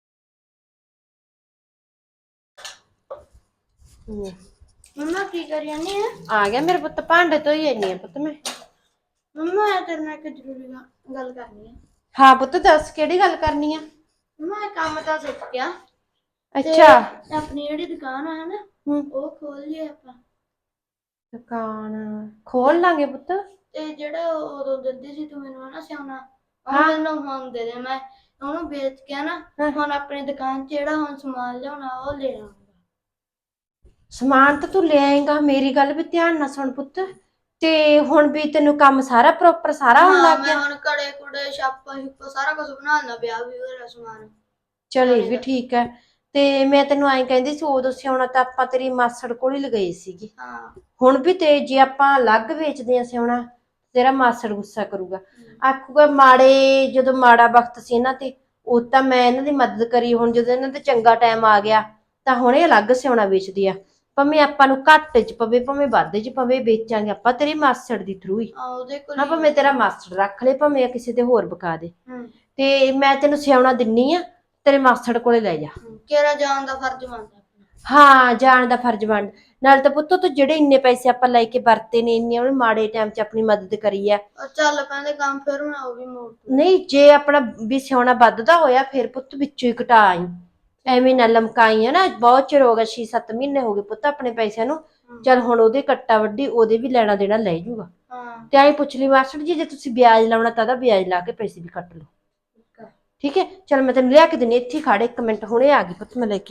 A: ਮੰਮਾ ਕੀ ਕਰੀ ਜਾਂਦੀ ਹੈ?
C: ਆ ਗਿਆ ਮੇਰੇ ਪੁੱਤ, ਭਾਂਡੇ ਧੋਈ ਜਾਂਦੀ ਆ ਪੁੱਤ ਮੈਂ।
A: ਮੰਮਾ ਮੈਂ ਤੇਰੇ ਨਾਲ ਇੱਕ ਜ਼ਰੂਰੀ ਗੱਲ ਕਰਨੀ ਹੈ।
C: ਹਾਂ ਪੁੱਤ ਦੱਸ, ਕਿਹੜੀ ਗੱਲ ਕਰਨੀ ਆ?
A: ਮੈਂ ਕੰਮ ਤਾਂ ਸਿੱਖ ਗਿਆ।
C: ਅੱਛਾ,
A: ਆਪਣੀ ਜਿਹੜੀ ਦੁਕਾਨ ਆ ਨਾ, ਉਹ ਖੋਲ ਲਈ ਆਪਾਂ।
C: ਦੁਕਾਨ ਖੋਲ ਲਾਂਗੇ ਪੁੱਤ।
A: ਤੇ ਜਿਹੜਾ ਉਦੋਂ ਦਿੰਦੀ ਸੀ ਤੂੰ ਮੈਨੂੰ ਹਨਾ ਸਿਆਉਣਾ, ਉਹ ਮੈਨੂੰ ਹੁਣ ਦੇ ਦੇ, ਮੈਂ ਉਹਨੂੰ ਵੇਚ ਕੇ ਨਾ ਹੁਣ ਆਪਣੀ ਦੁਕਾਨ ਚ ਜਿਹੜਾ ਹੁਣ ਸਮਾਨ ਲਿਆਉਣਾ ਉਹ ਲੈ ਆਉਂਗਾ।
C: ਸਮਾਨ ਤਾਂ ਤੂੰ ਲੈ ਆਏਗਾ, ਮੇਰੀ ਗੱਲ ਵੀ ਧਿਆਨ ਨਾਲ ਸੁਣ ਪੁੱਤ। ਤੇ ਹੁਣ ਵੀ ਤੈਨੂੰ ਕੰਮ ਸਾਰਾ ਪ੍ਰੋਪਰ ਸਾਰਾ ਹੋਣ
A: ਹਾਂ
C: ਲੱਗ
A: ਮੈਂ
C: ਗਿਆ।
A: ਹੁਣ ਕੜੇ ਕੁੜੇ ਛਾਪਾ ਛੁਪਾ ਸਾਰਾ ਕੁਝ ਬਣਾ ਲੈਣਾ, ਵਿਆਹ ਵੀ ਉਹਦਾ ਸਮਾਨ।
C: ਚਲ ਇਹ ਵੀ ਠੀਕ ਹੈ। ਤੇ ਮੈਂ ਤੈਨੂੰ ਐਂ ਕਹਿੰਦੀ ਸੀ, ਉਦੋਂ ਸਿਉਣਾ ਤਾਂ ਆਪਾਂ ਤੇਰੀ ਮਾਸੜ ਕੋਲ ਹੀ ਲਗਾਈ ਸੀਗੀ।
A: ਹਾਂ
C: ਹੁਣ ਵੀ ਤੇ ਜੇ ਆਪਾਂ ਅਲੱਗ ਵੇਚਦੇ ਆ ਸਿਉਣਾ, ਤੇਰਾ ਮਾਸੜ ਗੁੱਸਾ ਕਰੂਗਾ, ਆਖੂਗਾ ਮਾੜੇ ਜਦੋਂ ਮਾੜਾ ਵਕਤ ਸੀ ਇਹਨਾਂ ਤੇ, ਉਹ ਤਾਂ ਮੈਂ ਇਹਨਾਂ ਦੀ ਮਦਦ ਕਰੀ, ਹੁਣ ਜਦੋਂ ਇਹਨਾਂ ਤੇ ਚੰਗਾ ਟਾਈਮ ਆ ਗਿਆ ਤਾਂ ਹੁਣ ਇਹ ਅਲੱਗ ਸਿਉਣਾ ਵੇਚਦੀ ਆ। ਭਾਵੇਂ ਆਪਾਂ ਨੂੰ ਘੱਟ ਚ ਪਵੇ ਭਾਵੇਂ ਵੱਧ ਚ ਪਵੇ, ਵੇਚਾਂਗੇ ਆਪਾਂ ਤੇਰੇ ਮਾਸੜ ਦੀ ਥਰੂ ਹੀ।
A: ਉਹਦੇ ਕੋਲ
C: ਹਾਂ ਭਾਵੇਂ ਤੇਰਾ ਮਾਸੜ ਰੱਖ ਲੈ, ਭਾਵੇਂ ਕਿਸੇ ਤੇ ਹੋਰ ਬਕਾ ਦੇ।
A: ਹੂੰ
C: ਤੇ ਮੈਂ ਤੈਨੂੰ ਸਿਉਣਾ ਦਿੰਨੀ ਆ, ਤੇਰੇ ਮਾਸੜ ਕੋਲੇ ਲੈ ਜਾ।
A: ਕਿਹੜਾ ਜਾਣ ਦਾ ਫਰਜ਼ ਬਣਦਾ ਆਪਣਾ।
C: ਹਾਂ ਜਾਣ ਦਾ ਫਰਜ਼ ਬਣ ਨਾਲ ਤਾਂ ਪੁੱਤੋ ਤੂੰ ਜਿਹੜੇ ਇੰਨੇ ਪੈਸੇ ਆਪਾਂ ਲੈ ਕੇ ਵਰਤੇ ਨੇ, ਇੰਨੇ ਉਹਨੇ ਮਾੜੇ ਟਾਈਮ 'ਚ ਆਪਣੀ ਮਦਦ ਕਰੀ ਆ।
A: ਉਹ ਚੱਲ ਪੈਂਦੇ ਕੰਮ, ਫਿਰ ਮੈਂ ਉਹ ਵੀ ਮੋੜ ਦੂੰ।
C: ਨਹੀਂ ਜੇ ਆਪਣਾ ਵੀ ਸਿਉਣਾ ਵੱਧਦਾ ਹੋਇਆ ਫਿਰ ਪੁੱਤ ਵਿੱਚੋਂ ਹੀ ਘਟਾ ਆਈ, ਐਵੇਂ ਨਾ ਲਮਕਾਈ ਆ ਨਾ। ਬਹੁਤ ਚਿਰ ਹੋ ਗਿਆ, 6-7 ਮਹੀਨੇ ਹੋ ਗਏ ਪੁੱਤ ਆਪਣੇ ਪੈਸਿਆਂ ਨੂੰ। ਚੱਲ ਹੁਣ ਉਹਦੇ ਕੱਟਾ ਵੱਡੀ, ਉਹਦੇ ਵੀ ਲੈਣਾ ਦੇਣਾ ਲੈ ਜੂਗਾ।
A: ਹਾਂ
C: ਤੇ ਆਈ ਪੁੱਛ ਲਈ ਮਾਸਟਰ ਜੀ, ਜੇ ਤੁਸੀਂ ਵਿਆਜ ਲਾਉਣਾ ਤਾਂ ਵਿਆਜ ਲਾ ਕੇ ਪੈਸੇ ਵੀ ਕੱਟ ਲਓ। ਠੀਕ ਹੈ ਚਲ ਮੈਂ ਤੈਨੂੰ ਲਿਆ ਕੇ ਦਿੰਦੀ, ਇੱਥੇ ਖੜੇ 1 ਮਿੰਟ, ਹੁਣੇ ਆ ਗਈ ਪੁੱਤ ਮੈਂ ਲੈ ਕੇ।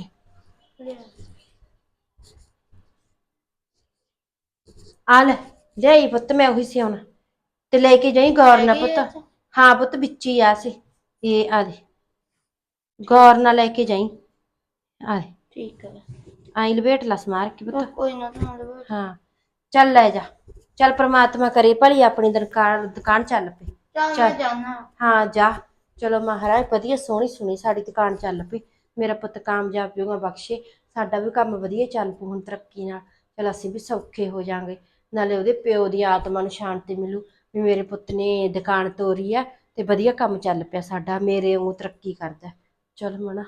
C: ਆ ਲੈ ਜਾਈ ਪੁੱਤ, ਮੈਂ ਉਹੀ ਸਿਉਣਾ ਤੇ ਲੈ ਕੇ ਜਾਈ ਗੌਰ ਨਾਲ ਪੁੱਤ। ਹਾਂ ਪੁੱਤ ਵਿੱਚ ਹੀ ਆ ਸੀ ਇਹ, ਆ ਦੇ ਗੌਰ ਨਾਲ ਲੈ ਕੇ ਜਾਈ। ਆ ਦੇ
A: ਠੀਕ ਹੈ।
C: ਆਈ ਲਪੇਟ ਲਾ ਸਮਾਰ ਕੇ ਪੁੱਤ।
A: ਕੋਈ ਨਾ ਤੁਹਾਨੂੰ
C: ਹਾਂ ਚੱਲ ਲੈ ਜਾ, ਚੱਲ ਪ੍ਰਮਾਤਮਾ ਕਰੇ ਭਲੀ ਆਪਣੀ ਦੁਕਾਨ ਚੱਲ ਪਈ।
A: ਚੱਲ ਮੈਂ ਜਾਣਾ।
C: ਹਾਂ ਜਾ, ਚਲੋ ਮਹਾਰਾਜ ਵਧੀਆ ਸੋਹਣੀ ਸੁਣੀ ਸਾਡੀ ਦੁਕਾਨ ਚੱਲ ਪਈ, ਮੇਰਾ ਪੁੱਤ ਕਾਮਯਾਬ ਹੋਊਗਾ, ਬਖਸ਼ੇ ਸਾਡਾ ਵੀ ਕੰਮ ਵਧੀਆ ਚੱਲ ਪੂ ਹੁਣ ਤਰੱਕੀ ਨਾਲ। ਚਲ ਅਸੀਂ ਵੀ ਸੌਖੇ ਹੋ ਜਾਾਂਗੇ, ਨਾਲੇ ਉਹਦੇ ਪਿਓ ਦੀ ਆਤਮਾ ਨੂੰ ਸ਼ਾਂਤੀ ਮਿਲੂ ਵੀ ਮੇਰੇ ਪੁੱਤ ਨੇ ਦੁਕਾਨ ਤੋਰੀ ਆ ਤੇ ਵਧੀਆ ਕੰਮ ਚੱਲ ਪਿਆ ਸਾਡਾ, ਮੇਰੇ ਵਾਂਗੂ ਤਰੱਕੀ ਕਰਦਾ। ਚਲ ਮਣਾ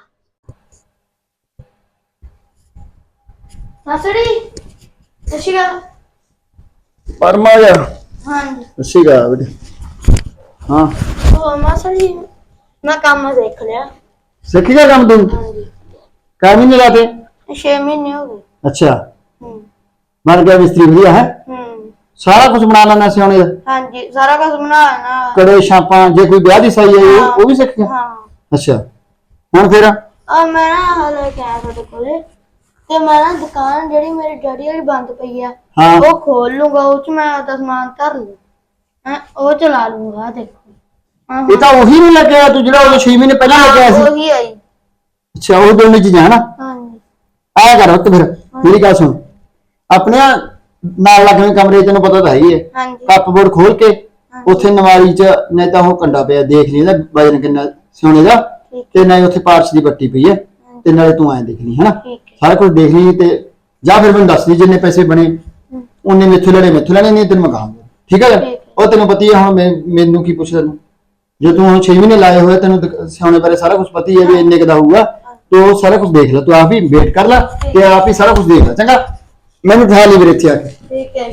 A: ਮਾਸੜੀ ਸਸ਼ੀਗਾ।
D: ਪਰਮਾ ਜਾ
A: ਹਾਂਜੀ
D: ਅੱਛੀਗਾ ਬੇਟੇ। ਹਾਂ
A: ਉਹ ਮਾਸੜੀ ਮੈਂ ਕੰਮ ਸਿੱਖ ਲਿਆ।
D: ਸਿੱਖ ਗਿਆ ਕੰਮ ਤੂੰ?
A: ਹਾਂਜੀ
D: ਕਾਹ ਮਹੀਨੇ ਲਾਤੇ?
A: 6 ਮਹੀਨੇ ਹੋ ਗਏ।
D: ਅੱਛਾ
A: ਹੂੰ
D: ਬਣ ਗਿਆ ਮਿਸਤਰੀ ਵਧੀਆ ਹੈ?
A: ਹੂੰ
D: ਸਾਰਾ ਕੁਝ ਬਣਾ ਲੈਣਾ ਸਿਆਣੇ ਦਾ?
A: ਹਾਂਜੀ ਸਾਰਾ ਕੁਝ ਬਣਾ ਲੈਣਾ।
D: ਕੜੇ ਛਾਪਾਂ, ਜੇ ਕੋਈ ਵਿਆਹ ਦੀ ਸਾਈ ਹੈ ਉਹ ਵੀ ਸਿੱਖ ਗਿਆ?
A: ਹਾਂ
D: ਅੱਛਾ ਹੁਣ ਫਿਰ?
A: ਆ ਮੈਂ ਨਾ ਹਾਲੇ ਕਿਹਾ ਤੁਹਾਡੇ ਕੋਲੇ, ਤੇ ਮੈਂ ਨਾ ਦੁਕਾਨ ਜਿਹੜੀ ਮੇਰੇ ਡੈਡੀ ਵਾਲੀ ਬੰਦ ਪਈ ਆ,
D: ਹਾਂ
A: ਉਹ ਖੋਲ ਲੂੰਗਾ, ਉਹ ਚ ਮੈਂ ਆਪਦਾ ਸਮਾਨ ਧਰ ਲੂ, ਉਹ ਚਲਾ ਲੂੰਗਾ। ਆਹ ਦੇਖੋ
D: ਇਹ ਤਾਂ ਉਹੀ ਨਹੀਂ ਲੱਗਿਆ ਤੂੰ ਜਿਹੜਾ ਉਹ 6 ਮਹੀਨੇ ਪਹਿਲਾਂ ਲੱਗਿਆ ਸੀ?
A: ਉਹੀ ਆਈ।
D: ਅੱਛਾ ਉਹ ਦੋਨੇ ਚੀਜ਼ਾਂ ਹਨਾ?
A: ਹਾਂਜੀ
D: ਆਇਆ ਕਰ ਉੱਤ ਫਿਰ। ਮੇਰੀ ਗੱਲ ਸੁਣ, ਆਪਣੇ ਨਾਲ ਲੱਗਵੇਂ ਕਮਰੇ ਤੈਨੂੰ ਪਤਾ ਤਾਂ ਹੈ ਹੀ ਹੈ,
A: ਹਾਂਜੀ
D: ਕੱਪਬੋਰਡ ਖੋਲ ਕੇ ਉੱਥੇ ਨਵਾਰੀ ਚ ਨਹੀਂ ਤਾਂ ਉਹ ਕੰਡਾ ਪਿਆ, ਦੇਖ ਲਈ ਇਹਦਾ ਵਜਨ ਕਿੰਨਾ ਸਿਉਣੇ ਦਾ, ਤੇ ਨਾਲੇ ਉੱਥੇ ਪਾਰਚ ਦੀ ਬੱਟੀ ਪਈ ਹੈ, ਤੇ ਨਾਲੇ ਤੂੰ ਐਂ ਦੇਖ ਲਈ ਹਨਾ,
A: ਠੀਕ ਹੈ।
D: ਸਾਰਾ ਕੁਝ ਦੇਖ ਲਈ। ਤੇ ਜਾਂ ਫਿਰ ਮੈਨੂੰ ਦੱਸ ਦੀ ਜਿੰਨੇ ਪੈਸੇ ਬਣੇ ਉਹਨੇ ਮੈਥੋਂ ਲੈਣੇ ਨਹੀਂ ਤੈਨੂੰ ਮਕਾਉਂਗਾ। ਠੀਕ ਹੈ ਉਹ ਤੈਨੂੰ ਪਤਾ ਹੀ ਹੈ, ਹੁਣ ਮੈਨੂੰ ਕੀ ਪੁੱਛ ਤੈਨੂੰ, ਜੇ ਤੂੰ ਹੁਣ 6 ਮਹੀਨੇ ਲਾਏ ਹੋਏ, ਤੈਨੂੰ ਸਿਆਉਣੇ ਬਾਰੇ ਸਾਰਾ ਕੁਝ ਪਤਾ ਹੀ ਹੈ ਵੀ ਇੰਨੇ ਕੁ ਦਾ ਹੋਊਗਾ, ਤੂੰ ਸਾਰਾ ਕੁਝ ਦੇਖ ਲੈ, ਤੂੰ ਆਪ ਹੀ ਵੇਟ ਕਰ ਲੈ ਤੇ ਆਪ ਹੀ ਸਾਰਾ ਕੁਝ ਦੇਖ ਲੈ। ਚੰਗਾ ਮੈਨੂੰ ਦਿਖਾ ਲਈ ਵੀਰੇ ਇੱਥੇ ਆ ਕੇ।
A: ਠੀਕ ਹੈ।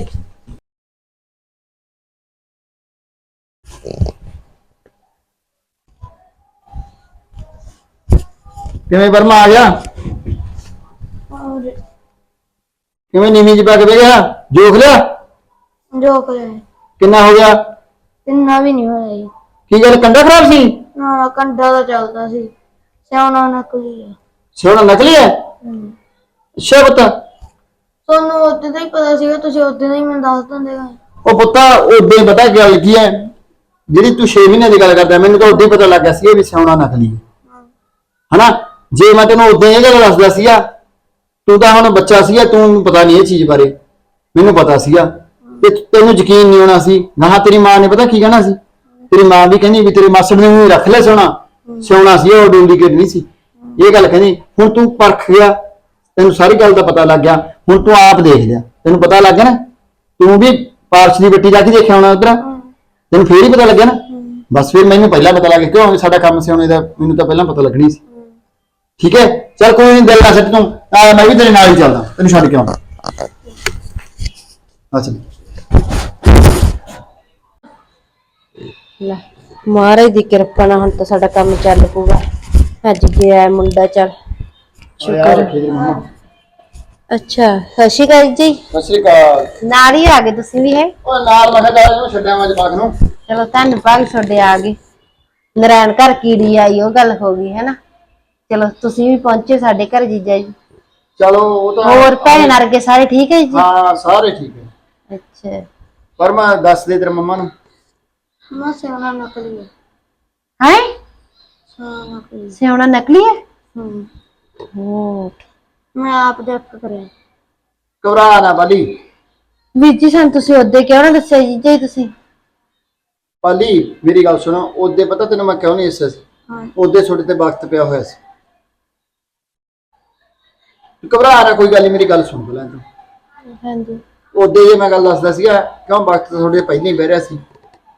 D: ਕਿਵੇਂ ਵਰਮਾ ਆ ਗਿਆ?
A: ਔਰ
D: ਕਿਵੇਂ ਨੀਵੀਂ ਚ ਪਾ ਕੇ ਬਹਿ ਗਿਆ? ਜੋਖ ਲਿਆ?
A: ਜੋ ਕਰੇ
D: ਕਿੰਨਾ ਹੋ ਗਿਆ?
A: ਇੰਨਾ ਵੀ ਨਹੀਂ ਹੋਇਆ ਜੀ।
D: ਕੀ ਗੱਲ ਕੰਡਾ ਖਰਾਬ ਸੀ?
A: ਨਾ ਨਾ ਕੰਡਾ ਤਾਂ ਚੱਲਦਾ ਸੀ, ਸਿਆਉਣਾ ਨਕਲੀ ਆ।
D: ਸੋਨਾ ਨਕਲੀ ਹੈ? ਅੱਛਾ ਪੁੱਤ।
A: ਤੁਹਾਨੂੰ ਉਦੋਂ ਦਾ ਹੀ ਪਤਾ ਸੀਗਾ, ਤੁਸੀਂ ਉਦੋਂ ਦਾ ਹੀ ਮੈਨੂੰ ਦੱਸ ਦਿੰਦੇ।
D: ਉਹ ਪੁੱਤਾ ਉਦੋਂ ਹੀ ਪਤਾ ਗੱਲ ਕੀ ਹੈ, ਜਿਹੜੀ ਤੂੰ 6 ਮਹੀਨੇ ਦੀ ਗੱਲ ਕਰਦਾ, ਮੈਨੂੰ ਤਾਂ ਉਦੋਂ ਹੀ ਪਤਾ ਲੱਗ ਗਿਆ ਸੀ ਵੀ ਸਿਆਉਣਾ ਨਕਲੀ ਹੈ ਹਨਾ। ਜੇ ਮੈਂ ਤੈਨੂੰ ਉਦੋਂ ਇਹ ਗੱਲ ਦੱਸਦਾ ਸੀਗਾ, ਤੂੰ ਤਾਂ ਹੁਣ ਬੱਚਾ ਸੀਗਾ, ਤੂੰ ਪਤਾ ਨਹੀਂ ਇਹ ਚੀਜ਼ ਬਾਰੇ, ਮੈਨੂੰ ਪਤਾ ਸੀਗਾ ਤੇ ਤੈਨੂੰ ਯਕੀਨ ਨਹੀਂ ਹੋਣਾ ਸੀ। ਨਾ ਤੇਰੀ ਮਾਂ ਨੇ ਪਤਾ ਕੀ ਕਹਿਣਾ ਸੀ, ਤੇਰੀ ਮਾਂ ਵੀ ਕਹਿੰਦੀ ਵੀ ਤੇਰੇ ਮਾਸੜ ਨੇ ਵੀ ਰੱਖ ਲੈ ਸਿਆਉਣਾ ਸੀ, ਉਹ ਡੁਪਲੀਕੇਟ ਨਹੀਂ ਸੀ, ਇਹ ਗੱਲ ਕਹਿੰਦੀ। ਹੁਣ ਤੂੰ ਪਰਖ ਗਿਆ, ਤੈਨੂੰ ਸਾਰੀ ਗੱਲ ਦਾ ਪਤਾ ਲੱਗ ਗਿਆ, ਹੁਣ ਤੂੰ ਆਪ ਦੇਖ ਲਿਆ, ਤੈਨੂੰ ਪਤਾ ਲੱਗ ਗਿਆ ਨਾ। ਤੂੰ ਵੀ ਪਾਰਸ਼ ਦੀ ਬੱਟੀ ਜਾ ਕੇ ਦੇਖਿਆ ਹੋਣਾ ਉਧਰ, ਤੈਨੂੰ ਫੇਰ ਹੀ ਪਤਾ ਲੱਗਿਆ ਨਾ। ਬਸ ਫਿਰ ਮੈਨੂੰ ਪਹਿਲਾਂ ਪਤਾ ਲੱਗ ਗਿਆ, ਕਿਉਂ ਸਾਡਾ ਕੰਮ ਸਿਆਉਣੇ ਦਾ ਮੈਨੂੰ ਤਾਂ ਪਹਿਲਾਂ ਪਤਾ ਲੱਗਣੀ ਸੀ। ਠੀਕ ਹੈ ਚੱਲ ਕੋਈ ਨਹੀਂ, ਦਿਲ ਨਾ ਸੱਟ ਤੂੰ, ਮੈਂ ਵੀ ਤੇਰੇ ਨਾਲ ਹੀ ਚੱਲਦਾ, ਤੈਨੂੰ ਛੱਡ ਕੇ ਆਉਣਾ। ਅੱਛਾ
C: ਲੈ ਮਹਾਰਾਜ ਦੀ ਕਿਰਪਾ ਨਾਲ ਹੁਣ ਤਾਂ ਸਾਡਾ ਕੰਮ ਚੱਲ ਪੂਗਾ। ਅੱਜ ਗਿਆ ਮੁੰਡਾ, ਚੱਲ ਸ਼ੁਕਰ। ਅੱਛਾ ਸਤਿ ਸ਼੍ਰੀ ਅਕਾਲ ਜੀ।
D: ਸਤਿ ਸ਼੍ਰੀ ਅਕਾਲ।
C: ਨਾਲ ਹੀ ਆ ਗਏ ਤੁਸੀਂ ਵੀ? ਹੈ
D: ਉਹ ਨਾਲ ਮੈਂ ਕਿਹਾ ਇਹਨੂੰ ਛੱਡਿਆ ਮੈਂ ਜਵਾਕ ਨੂੰ।
C: ਚਲੋ ਧੰਨਵਾਦ ਤੁਹਾਡੇ ਆ ਗਏ। ਨਰਾਇਣ ਘਰ ਕੀੜੀ ਆਈ ਉਹ ਗੱਲ ਹੋ ਗਈ ਹੈ ਨਾ। ਚਲੋ ਤੁਸੀਂ ਵੀ ਪਹੁੰਚੇ ਸਾਡੇ ਘਰ ਜੀਜਾ ਜੀ।
D: ਚਲੋ ਉਹ ਤਾਂ
C: ਹੋਰ ਭੈਣ ਵਰਗੇ ਸਾਰੇ ਠੀਕ ਹੈ ਜੀ?
D: ਹਾਂ ਸਾਰੇ ਠੀਕ ਹੈ।
C: ਅੱਛਾ।
D: ਪਰ ਮੈਂ ਦੱਸ ਦੇ ਤੇਰੇ ਮੰਮਾ ਨੂੰ।
A: ਮੈਂ ਸਿਆਣਾ ਨਕਲੀ ਹੈ।
C: ਹੈ
A: ਸਿਆਣਾ ਨਕਲੀ।
C: ਸਿਆਉਣਾ ਨਕਲੀ ਹੈ?
A: ਹੂੰ।
C: ਹੋ
A: ਮੈਂ ਆਪ ਦੇਖ ਕਰਿਆ।
D: ਘਬਰਾ ਨਾ ਬਾਲੀ।
C: ਵੀਰ ਜੀ ਸਾਨੂੰ ਤੁਸੀਂ ਉਹਦੇ ਕਿਉਂ ਨਾ ਦੱਸਿਆ ਜੀ ਤੁਸੀਂ?
D: ਪਾਲੀ ਮੇਰੀ ਗੱਲ ਸੁਣੋ, ਉਹਦੇ ਪਤਾ ਤੈਨੂੰ ਮੈਂ ਕਿਉਂ ਨਹੀਂ ਦੱਸਿਆ ਸੀ?
A: ਹਾਂ।
D: ਉਹਦੇ ਤੁਹਾਡੇ ਤੇ ਵਕਤ ਪਿਆ ਹੋਇਆ ਸੀ। ਘਬਰਾ ਨਾ, ਕੋਈ ਗੱਲ ਨਹੀਂ, ਮੇਰੀ ਗੱਲ ਸੁਣ ਲੈ ਤੂੰ।
C: ਹਾਂਜੀ।
D: ਉਹਦੇ ਜੇ ਮੈਂ ਗੱਲ ਦੱਸਦਾ ਸੀਗਾ ਕਿਉਂ ਵਕਤ ਤੁਹਾਡੇ ਪਹਿਲਾਂ ਹੀ ਬਹਿ ਰਿਹਾ ਸੀ।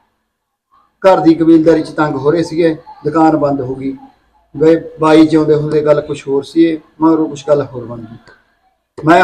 D: ਘਰ ਦੀ ਕਬੀਲਦਾਰੀ ਚ ਤੰਗ ਹੋ ਰਹੇ ਸੀਗੇ, ਦੁਕਾਨ ਬੰਦ ਹੋ ਗਈ, ਵੇ ਬਾਈ ਜਿਉਂਦੇ ਹੁੰਦੇ ਗੱਲ ਕੁਝ ਹੋਰ ਸੀ, ਮਗਰੋਂ ਕੁਝ ਗੱਲ ਹੋਰ ਬਣ ਗਈ। ਮੈਂ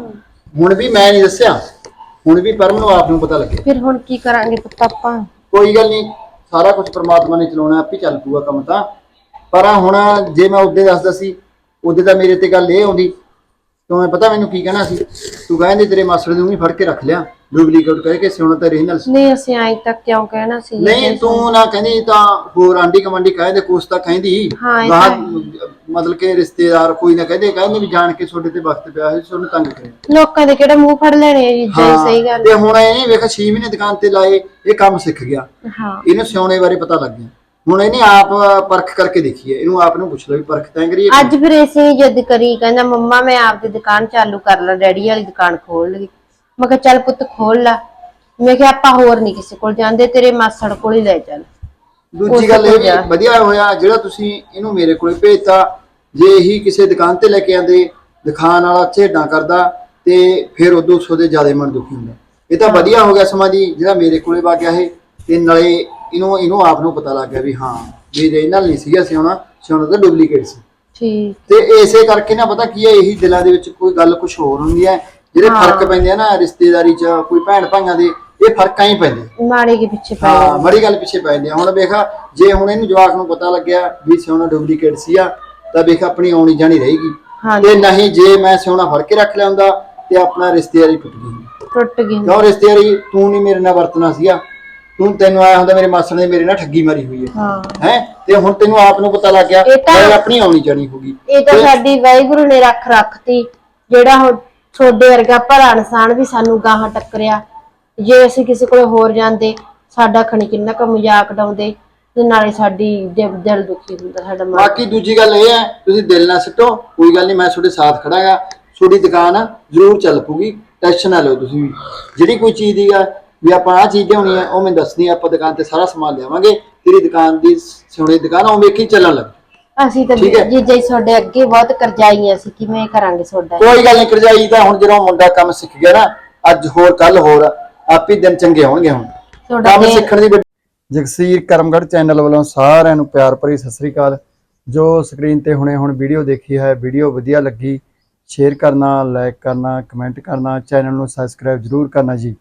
D: ਹੁਣ ਵੀ ਮੈਂ ਨਹੀਂ ਦੱਸਿਆ, ਹੁਣ ਵੀ ਪਰਮ ਨੂੰ ਆਪ ਨੂੰ ਪਤਾ ਲੱਗਿਆ।
C: ਫਿਰ ਹੁਣ ਕੀ ਕਰਾਂਗੇ ਪੁੱਤ ਆਪਾਂ?
D: ਕੋਈ ਗੱਲ ਨਹੀਂ, ਸਾਰਾ ਕੁਝ ਪ੍ਰਮਾਤਮਾ ਨੇ ਚਲਾਉਣਾ, ਆਪੇ ਚੱਲ ਪੂਗਾ ਕੰਮ ਤਾਂ। ਪਰ ਹੁਣ ਜੇ ਮੈਂ ਉਹਦੇ ਦੱਸਦਾ ਸੀ, ਉਹਦੇ ਤਾਂ ਮੇਰੇ ਤੇ ਗੱਲ ਇਹ ਆਉਂਦੀ, ਤੂੰ ਪਤਾ ਮੈਨੂੰ ਕੀ ਕਹਿਣਾ ਸੀ? ਤੂੰ ਕਹਿੰਦੇ ਤੇਰੇ ਮਾਸੜ ਨੂੰ ਵੀ ਫੜ ਕੇ ਰੱਖ ਲਿਆ, ਡੁਪਲੀਕੇਟ ਕਹਿ ਕੇ ਸਿਉਣਾ ਤਾਂ ਰੀਨਲ ਸੀ।
C: ਨਹੀਂ ਅਸੀਂ ਆਈ ਤੱਕ ਕਿਉਂ ਕਹਿਣਾ ਸੀ?
D: ਨਹੀਂ ਤੂੰ ਨਾ ਕਹਿੰਦੀ ਤਾਂ ਹੋਰ ਆਂਢੀ ਕਮਾਂਡੀ ਕਹਿੰਦੇ, ਕੁਛ ਤਾਂ ਕਹਿੰਦੀ
C: ਹਾਂ, ਇਹ
D: ਗਾਹ
C: ਤਾਂ
D: ਮਤਲਬ ਕਿ ਰਿਸ਼ਤੇਦਾਰ ਕੋਈ ਨਾ ਕਹਿੰਦੇ ਵੀ ਜਾਣ ਕੇ ਤੁਹਾਡੇ ਤੇ ਵਕਤ ਪਿਆ ਹੋਇਆ, ਤੁਹਾਨੂੰ ਤੰਗ ਕਰਿਆ।
C: ਲੋਕਾਂ ਦੇ ਕਿਹੜਾ ਮੂੰਹ ਫੜ ਲੈਣੇ ਆ ਜੀ, ਜੇ ਸਹੀ ਗੱਲ।
D: ਤੇ ਹੁਣ ਇਹ ਨਹੀਂ ਵੇਖ 6 ਮਹੀਨੇ ਦੁਕਾਨ ਤੇ ਲਾਏ, ਇਹ ਕੰਮ ਸਿੱਖ ਗਿਆ,
C: ਹਾਂ
D: ਇਹਨੂੰ ਸਿਉਣੇ ਬਾਰੇ ਪਤਾ ਲੱਗ ਗਿਆ। ਹੁਣ ਇਹਨੇ ਆਪ ਪਰਖ ਕਰਕੇ ਦੇਖੀ ਹੈ, ਇਹਨੂੰ ਆਪ ਨੂੰ ਪੁੱਛ ਲਓ ਵੀ ਪਰਖ ਤੈਂ ਕਰੀ ਹੈ।
C: ਅੱਜ ਫਿਰ ਇਸੇ ਜਿੱਦ ਕਰੀ, ਕਹਿੰਦਾ ਮੰਮਾ ਮੈਂ ਆਪਦੀ ਦੁਕਾਨ ਚਾਲੂ ਕਰ ਲਾਂ, ਡੈਡੀ ਵਾਲੀ ਦੁਕਾਨ ਖੋਲ ਲਈ। ਮੈਂ ਕਿਹਾ ਚੱਲ ਪੁੱਤ ਖੋਲ ਲਾ। ਮੈਂ ਕਿਹਾ ਆਪਾਂ ਹੋਰ ਨਹੀਂ ਕਿਸੇ ਕੋਲ ਜਾਂਦੇ, ਤੇਰੇ ਮਾਸੜ ਕੋਲ ਹੀ ਲੈ ਚੱਲ।
D: ਦੂਜੀ ਗੱਲ ਇਹ ਵੀ ਵਧੀਆ ਹੋਇਆ ਜਿਹੜਾ ਤੁਸੀਂ ਇਹਨੂੰ ਮੇਰੇ ਕੋਲੇ ਭੇਜਤਾ। ਜੇ ਇਹੀ ਕਿਸੇ ਦੁਕਾਨ ਤੇ ਲੈ ਕੇ ਆਂਦੇ, ਦੁਕਾਨ ਵਾਲਾ ਝੇਡਾਂ ਕਰਦਾ ਤੇ ਫਿਰ ਉਦੋਂ ਸੋਦੇ ਜ਼ਿਆਦਾ ਮਨ ਦੁਖੀ ਹੁੰਦਾ। ਇਹ ਤਾਂ ਵਧੀਆ ਹੋ ਗਿਆ ਸਮਾਂ ਜੀ ਜਿਹੜਾ ਮੇਰੇ ਕੋਲੇ ਵਾ ਗਿਆ ਇਹ, ਤੇ ਨਾਲੇ ਇਹਨੂੰ ਆਪ ਨੂੰ ਪਤਾ ਲੱਗ ਗਿਆ ਵੀ ਹਾਂ ਵੀ ਰੀਨਲ ਨਹੀਂ ਸੀਗਾ ਸਿਉਣਾ ਤਾਂ ਡੁਪਲੀਕੇਟ ਸੀ।
C: ਠੀਕ।
D: ਤੇ ਇਸੇ ਕਰਕੇ ਨਾ ਪਤਾ ਕੀ ਹੈ, ਇਹੀ ਦਿਲਾਂ ਦੇ ਵਿੱਚ ਕੋਈ ਗੱਲ ਕੁਝ ਹੋਰ ਹੁੰਦੀ ਹੈ, ਜਿਹੜੇ ਫਰਕ ਪੈਂਦੇ ਆ ਨਾ ਰਿਸ਼ਤੇਦਾਰੀ ਚ, ਕੋਈ ਭੈਣ ਭਾਈਆਂ ਦੇ, ਇਹ ਫਰਕਾਂ ਹੀ ਪੈਂਦੇ
C: ਮਾੜੇ ਕੇ ਪਿੱਛੇ ਪੈ
D: ਹਾਂ, ਮਾੜੀ ਗੱਲ ਪਿੱਛੇ ਪੈ ਜਾਂਦੇ ਆ। ਹੁਣ ਵੇਖਾ ਜੇ ਹੁਣ ਇਹਨੂੰ ਜਵਾਕ ਨੂੰ ਪਤਾ ਲੱਗਿਆ ਵੀ ਸਿਉਣਾ ਡੁਪਲੀਕੇਟ ਸੀਗਾ, ਤਾਂ ਵੇਖ ਆਪਣੀ ਆਉਣੀ ਜਾਣੀ ਰਹੇਗੀ। ਤੇ ਨਹੀਂ ਜੇ ਮੈਂ ਸਿਉਣਾ ਫੜ ਕੇ ਰੱਖ ਲਿਆ ਹੁੰਦਾ ਤੇ ਆਪਣਾ ਰਿਸ਼ਤੇਦਾਰੀ ਟੁੱਟ ਗਈ। ਕਿਉਂ ਰਿਸ਼ਤੇਦਾਰੀ ਤੂੰ ਨਹੀਂ ਮੇਰੇ ਨਾਲ ਵਰਤਣਾ ਸੀਗਾ, ਤੈਨੂੰ ਆਇਆ ਹੁੰਦਾ ਮੇਰੇ ਮਾਸੜ ਨੇ ਮੇਰੇ ਨਾਲ ਠੱਗੀ ਮਾਰੀ ਹੋਈ ਹੈ ਤੇ ਹੁਣ ਤੈਨੂੰ ਆਪ ਨੂੰ ਪਤਾ ਲੱਗ ਗਿਆ, ਆਪਣੀ ਆਉਣੀ ਜਾਣੀ ਹੋਗੀ।
C: ਇਹ ਤਾਂ ਸਾਡੀ ਵਾਹਿਗੁਰੂ ਨੇ ਰੱਖਤੀ, ਜਿਹੜਾ ਹੁਣ ਤੁਹਾਡੇ ਵਰਗਾ ਭਲਾ ਇਨਸਾਨ ਵੀ ਸਾਨੂੰ ਗਾਹਾਂ ਟੱਕਰਿਆ। ਜੇ ਅਸੀਂ ਕਿਸੇ ਕੋਲ ਹੋਰ ਜਾਂਦੇ, ਸਾਡਾ ਖਣੀ ਕਿੰਨਾ ਕੁ ਮਜ਼ਾਕ ਡਾਉਂਦੇ, ਤੇ ਨਾਲੇ ਸਾਡੀ ਦਿਲ ਦੁਖੀ ਹੁੰਦਾ ਸਾਡਾ।
D: ਬਾਕੀ ਦੂਜੀ ਗੱਲ ਇਹ ਹੈ, ਤੁਸੀਂ ਦਿਲ ਨਾ ਸਿੱਟੋ, ਕੋਈ ਗੱਲ ਨਹੀਂ, ਮੈਂ ਤੁਹਾਡੇ ਸਾਥ ਖੜਾਂਗਾ, ਤੁਹਾਡੀ ਦੁਕਾਨ ਜ਼ਰੂਰ ਚੱਲ ਪੂਗੀ, ਟੈਨਸ਼ਨ ਨਾ ਲਓ ਤੁਸੀਂ ਵੀ। ਜਿਹੜੀ ਕੋਈ ਚੀਜ਼ ਦੀ ਆ ਵੀ ਆਪਾਂ ਆਹ ਚੀਜ਼ ਲਿਆਉਣੀ ਹੈ ਉਹ ਮੈਨੂੰ ਦੱਸਣੀ, ਆਪਾਂ ਦੁਕਾਨ ਤੇ ਸਾਰਾ ਸਮਾਨ ਲਿਆਵਾਂਗੇ, ਤੇਰੀ ਦੁਕਾਨ ਦੀ ਸੋਨੇ ਦੀ ਦੁਕਾਨ ਉਹ ਵੇਖੀ ਚੱਲਣ ਲੱਗ।
C: ਅਸੀਂ ਤਾਂ ਜੀਜਾ ਜੀ ਤੁਹਾਡੇ ਅੱਗੇ ਬਹੁਤ ਕਰਜ਼ਾਈ, ਅਸੀਂ ਕਿਵੇਂ ਕਰਾਂਗੇ ਤੁਹਾਡਾ?
D: ਕੋਈ ਗੱਲ ਨਹੀਂ, ਕਰਜ਼ਾਈ ਤਾਂ ਹੁਣ ਜਦੋਂ ਮੁੰਡਾ ਕੰਮ ਸਿੱਖ ਗਿਆ ਨਾ, ਅੱਜ ਹੋਰ ਕੱਲ ਹੋਰ, ਆਪੇ ਦਿਨ ਚੰਗੇ ਹੋਣਗੇ। ਹੁਣ ਕੰਮ ਸਿੱਖਣ ਦੀ ਜਗਸੀਰ ਕਰਮਗੜ੍ਹ ਚੈਨਲ ਵੱਲੋਂ ਸਾਰਿਆਂ ਨੂੰ ਪਿਆਰ ਭਰੀ ਸਤਿ ਸ੍ਰੀ ਅਕਾਲ। ਜੋ ਸਕਰੀਨ ਤੇ ਹੁਣੇ ਹੁਣ ਵੀਡੀਓ ਦੇਖੀ ਹੈ, ਵੀਡੀਓ ਵਧੀਆ ਲੱਗੀ, ਸ਼ੇਅਰ ਕਰਨਾ, ਲਾਈਕ ਕਰਨਾ, ਕਮੈਂਟ ਕਰਨਾ, ਚੈਨਲ ਨੂੰ ਸਬਸਕ੍ਰਾਈਬ ਜ਼ਰੂਰ ਕਰਨਾ ਜੀ।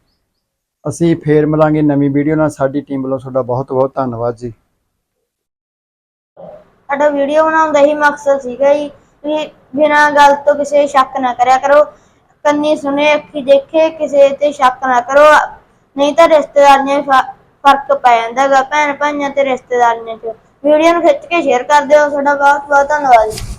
D: ਅਸੀਂ ਫੇਰ ਮਿਲਾਂਗੇ ਨਵੀਂ ਵੀਡੀਓ ਨਾਲ। ਸਾਡੀ ਟੀਮ ਵੱਲੋਂ ਤੁਹਾਡਾ ਬਹੁਤ ਬਹੁਤ ਧੰਨਵਾਦ ਜੀ।
A: ਸਾਡਾ ਵੀਡੀਓ ਬਣਾਉਣ ਦਾ ਹੀ ਮਕਸਦ ਸੀਗਾ ਜੀ ਵੀ ਬਿਨਾਂ ਗੱਲ ਤੋਂ ਕਿਸੇ ਸ਼ੱਕ ਨਾ ਕਰਿਆ ਕਰੋ, ਕੰਨੀ ਸੁਣੇ ਅੱਖੀ ਦੇਖੇ, ਕਿਸੇ ਤੇ ਸ਼ੱਕ ਨਾ ਕਰੋ, ਨਹੀਂ ਤਾਂ ਰਿਸ਼ਤੇਦਾਰੀਆਂ ਫਰਕ ਪੈ ਜਾਂਦਾ ਗਾ ਭੈਣ ਭਾਈਆਂ ਤੇ ਰਿਸ਼ਤੇਦਾਰੀਆਂ ਚ। ਵੀਡੀਓ ਨੂੰ ਖਿੱਚ ਕੇ ਸ਼ੇਅਰ ਕਰ ਦਿਓ। ਤੁਹਾਡਾ ਬਹੁਤ ਬਹੁਤ ਧੰਨਵਾਦ ਜੀ।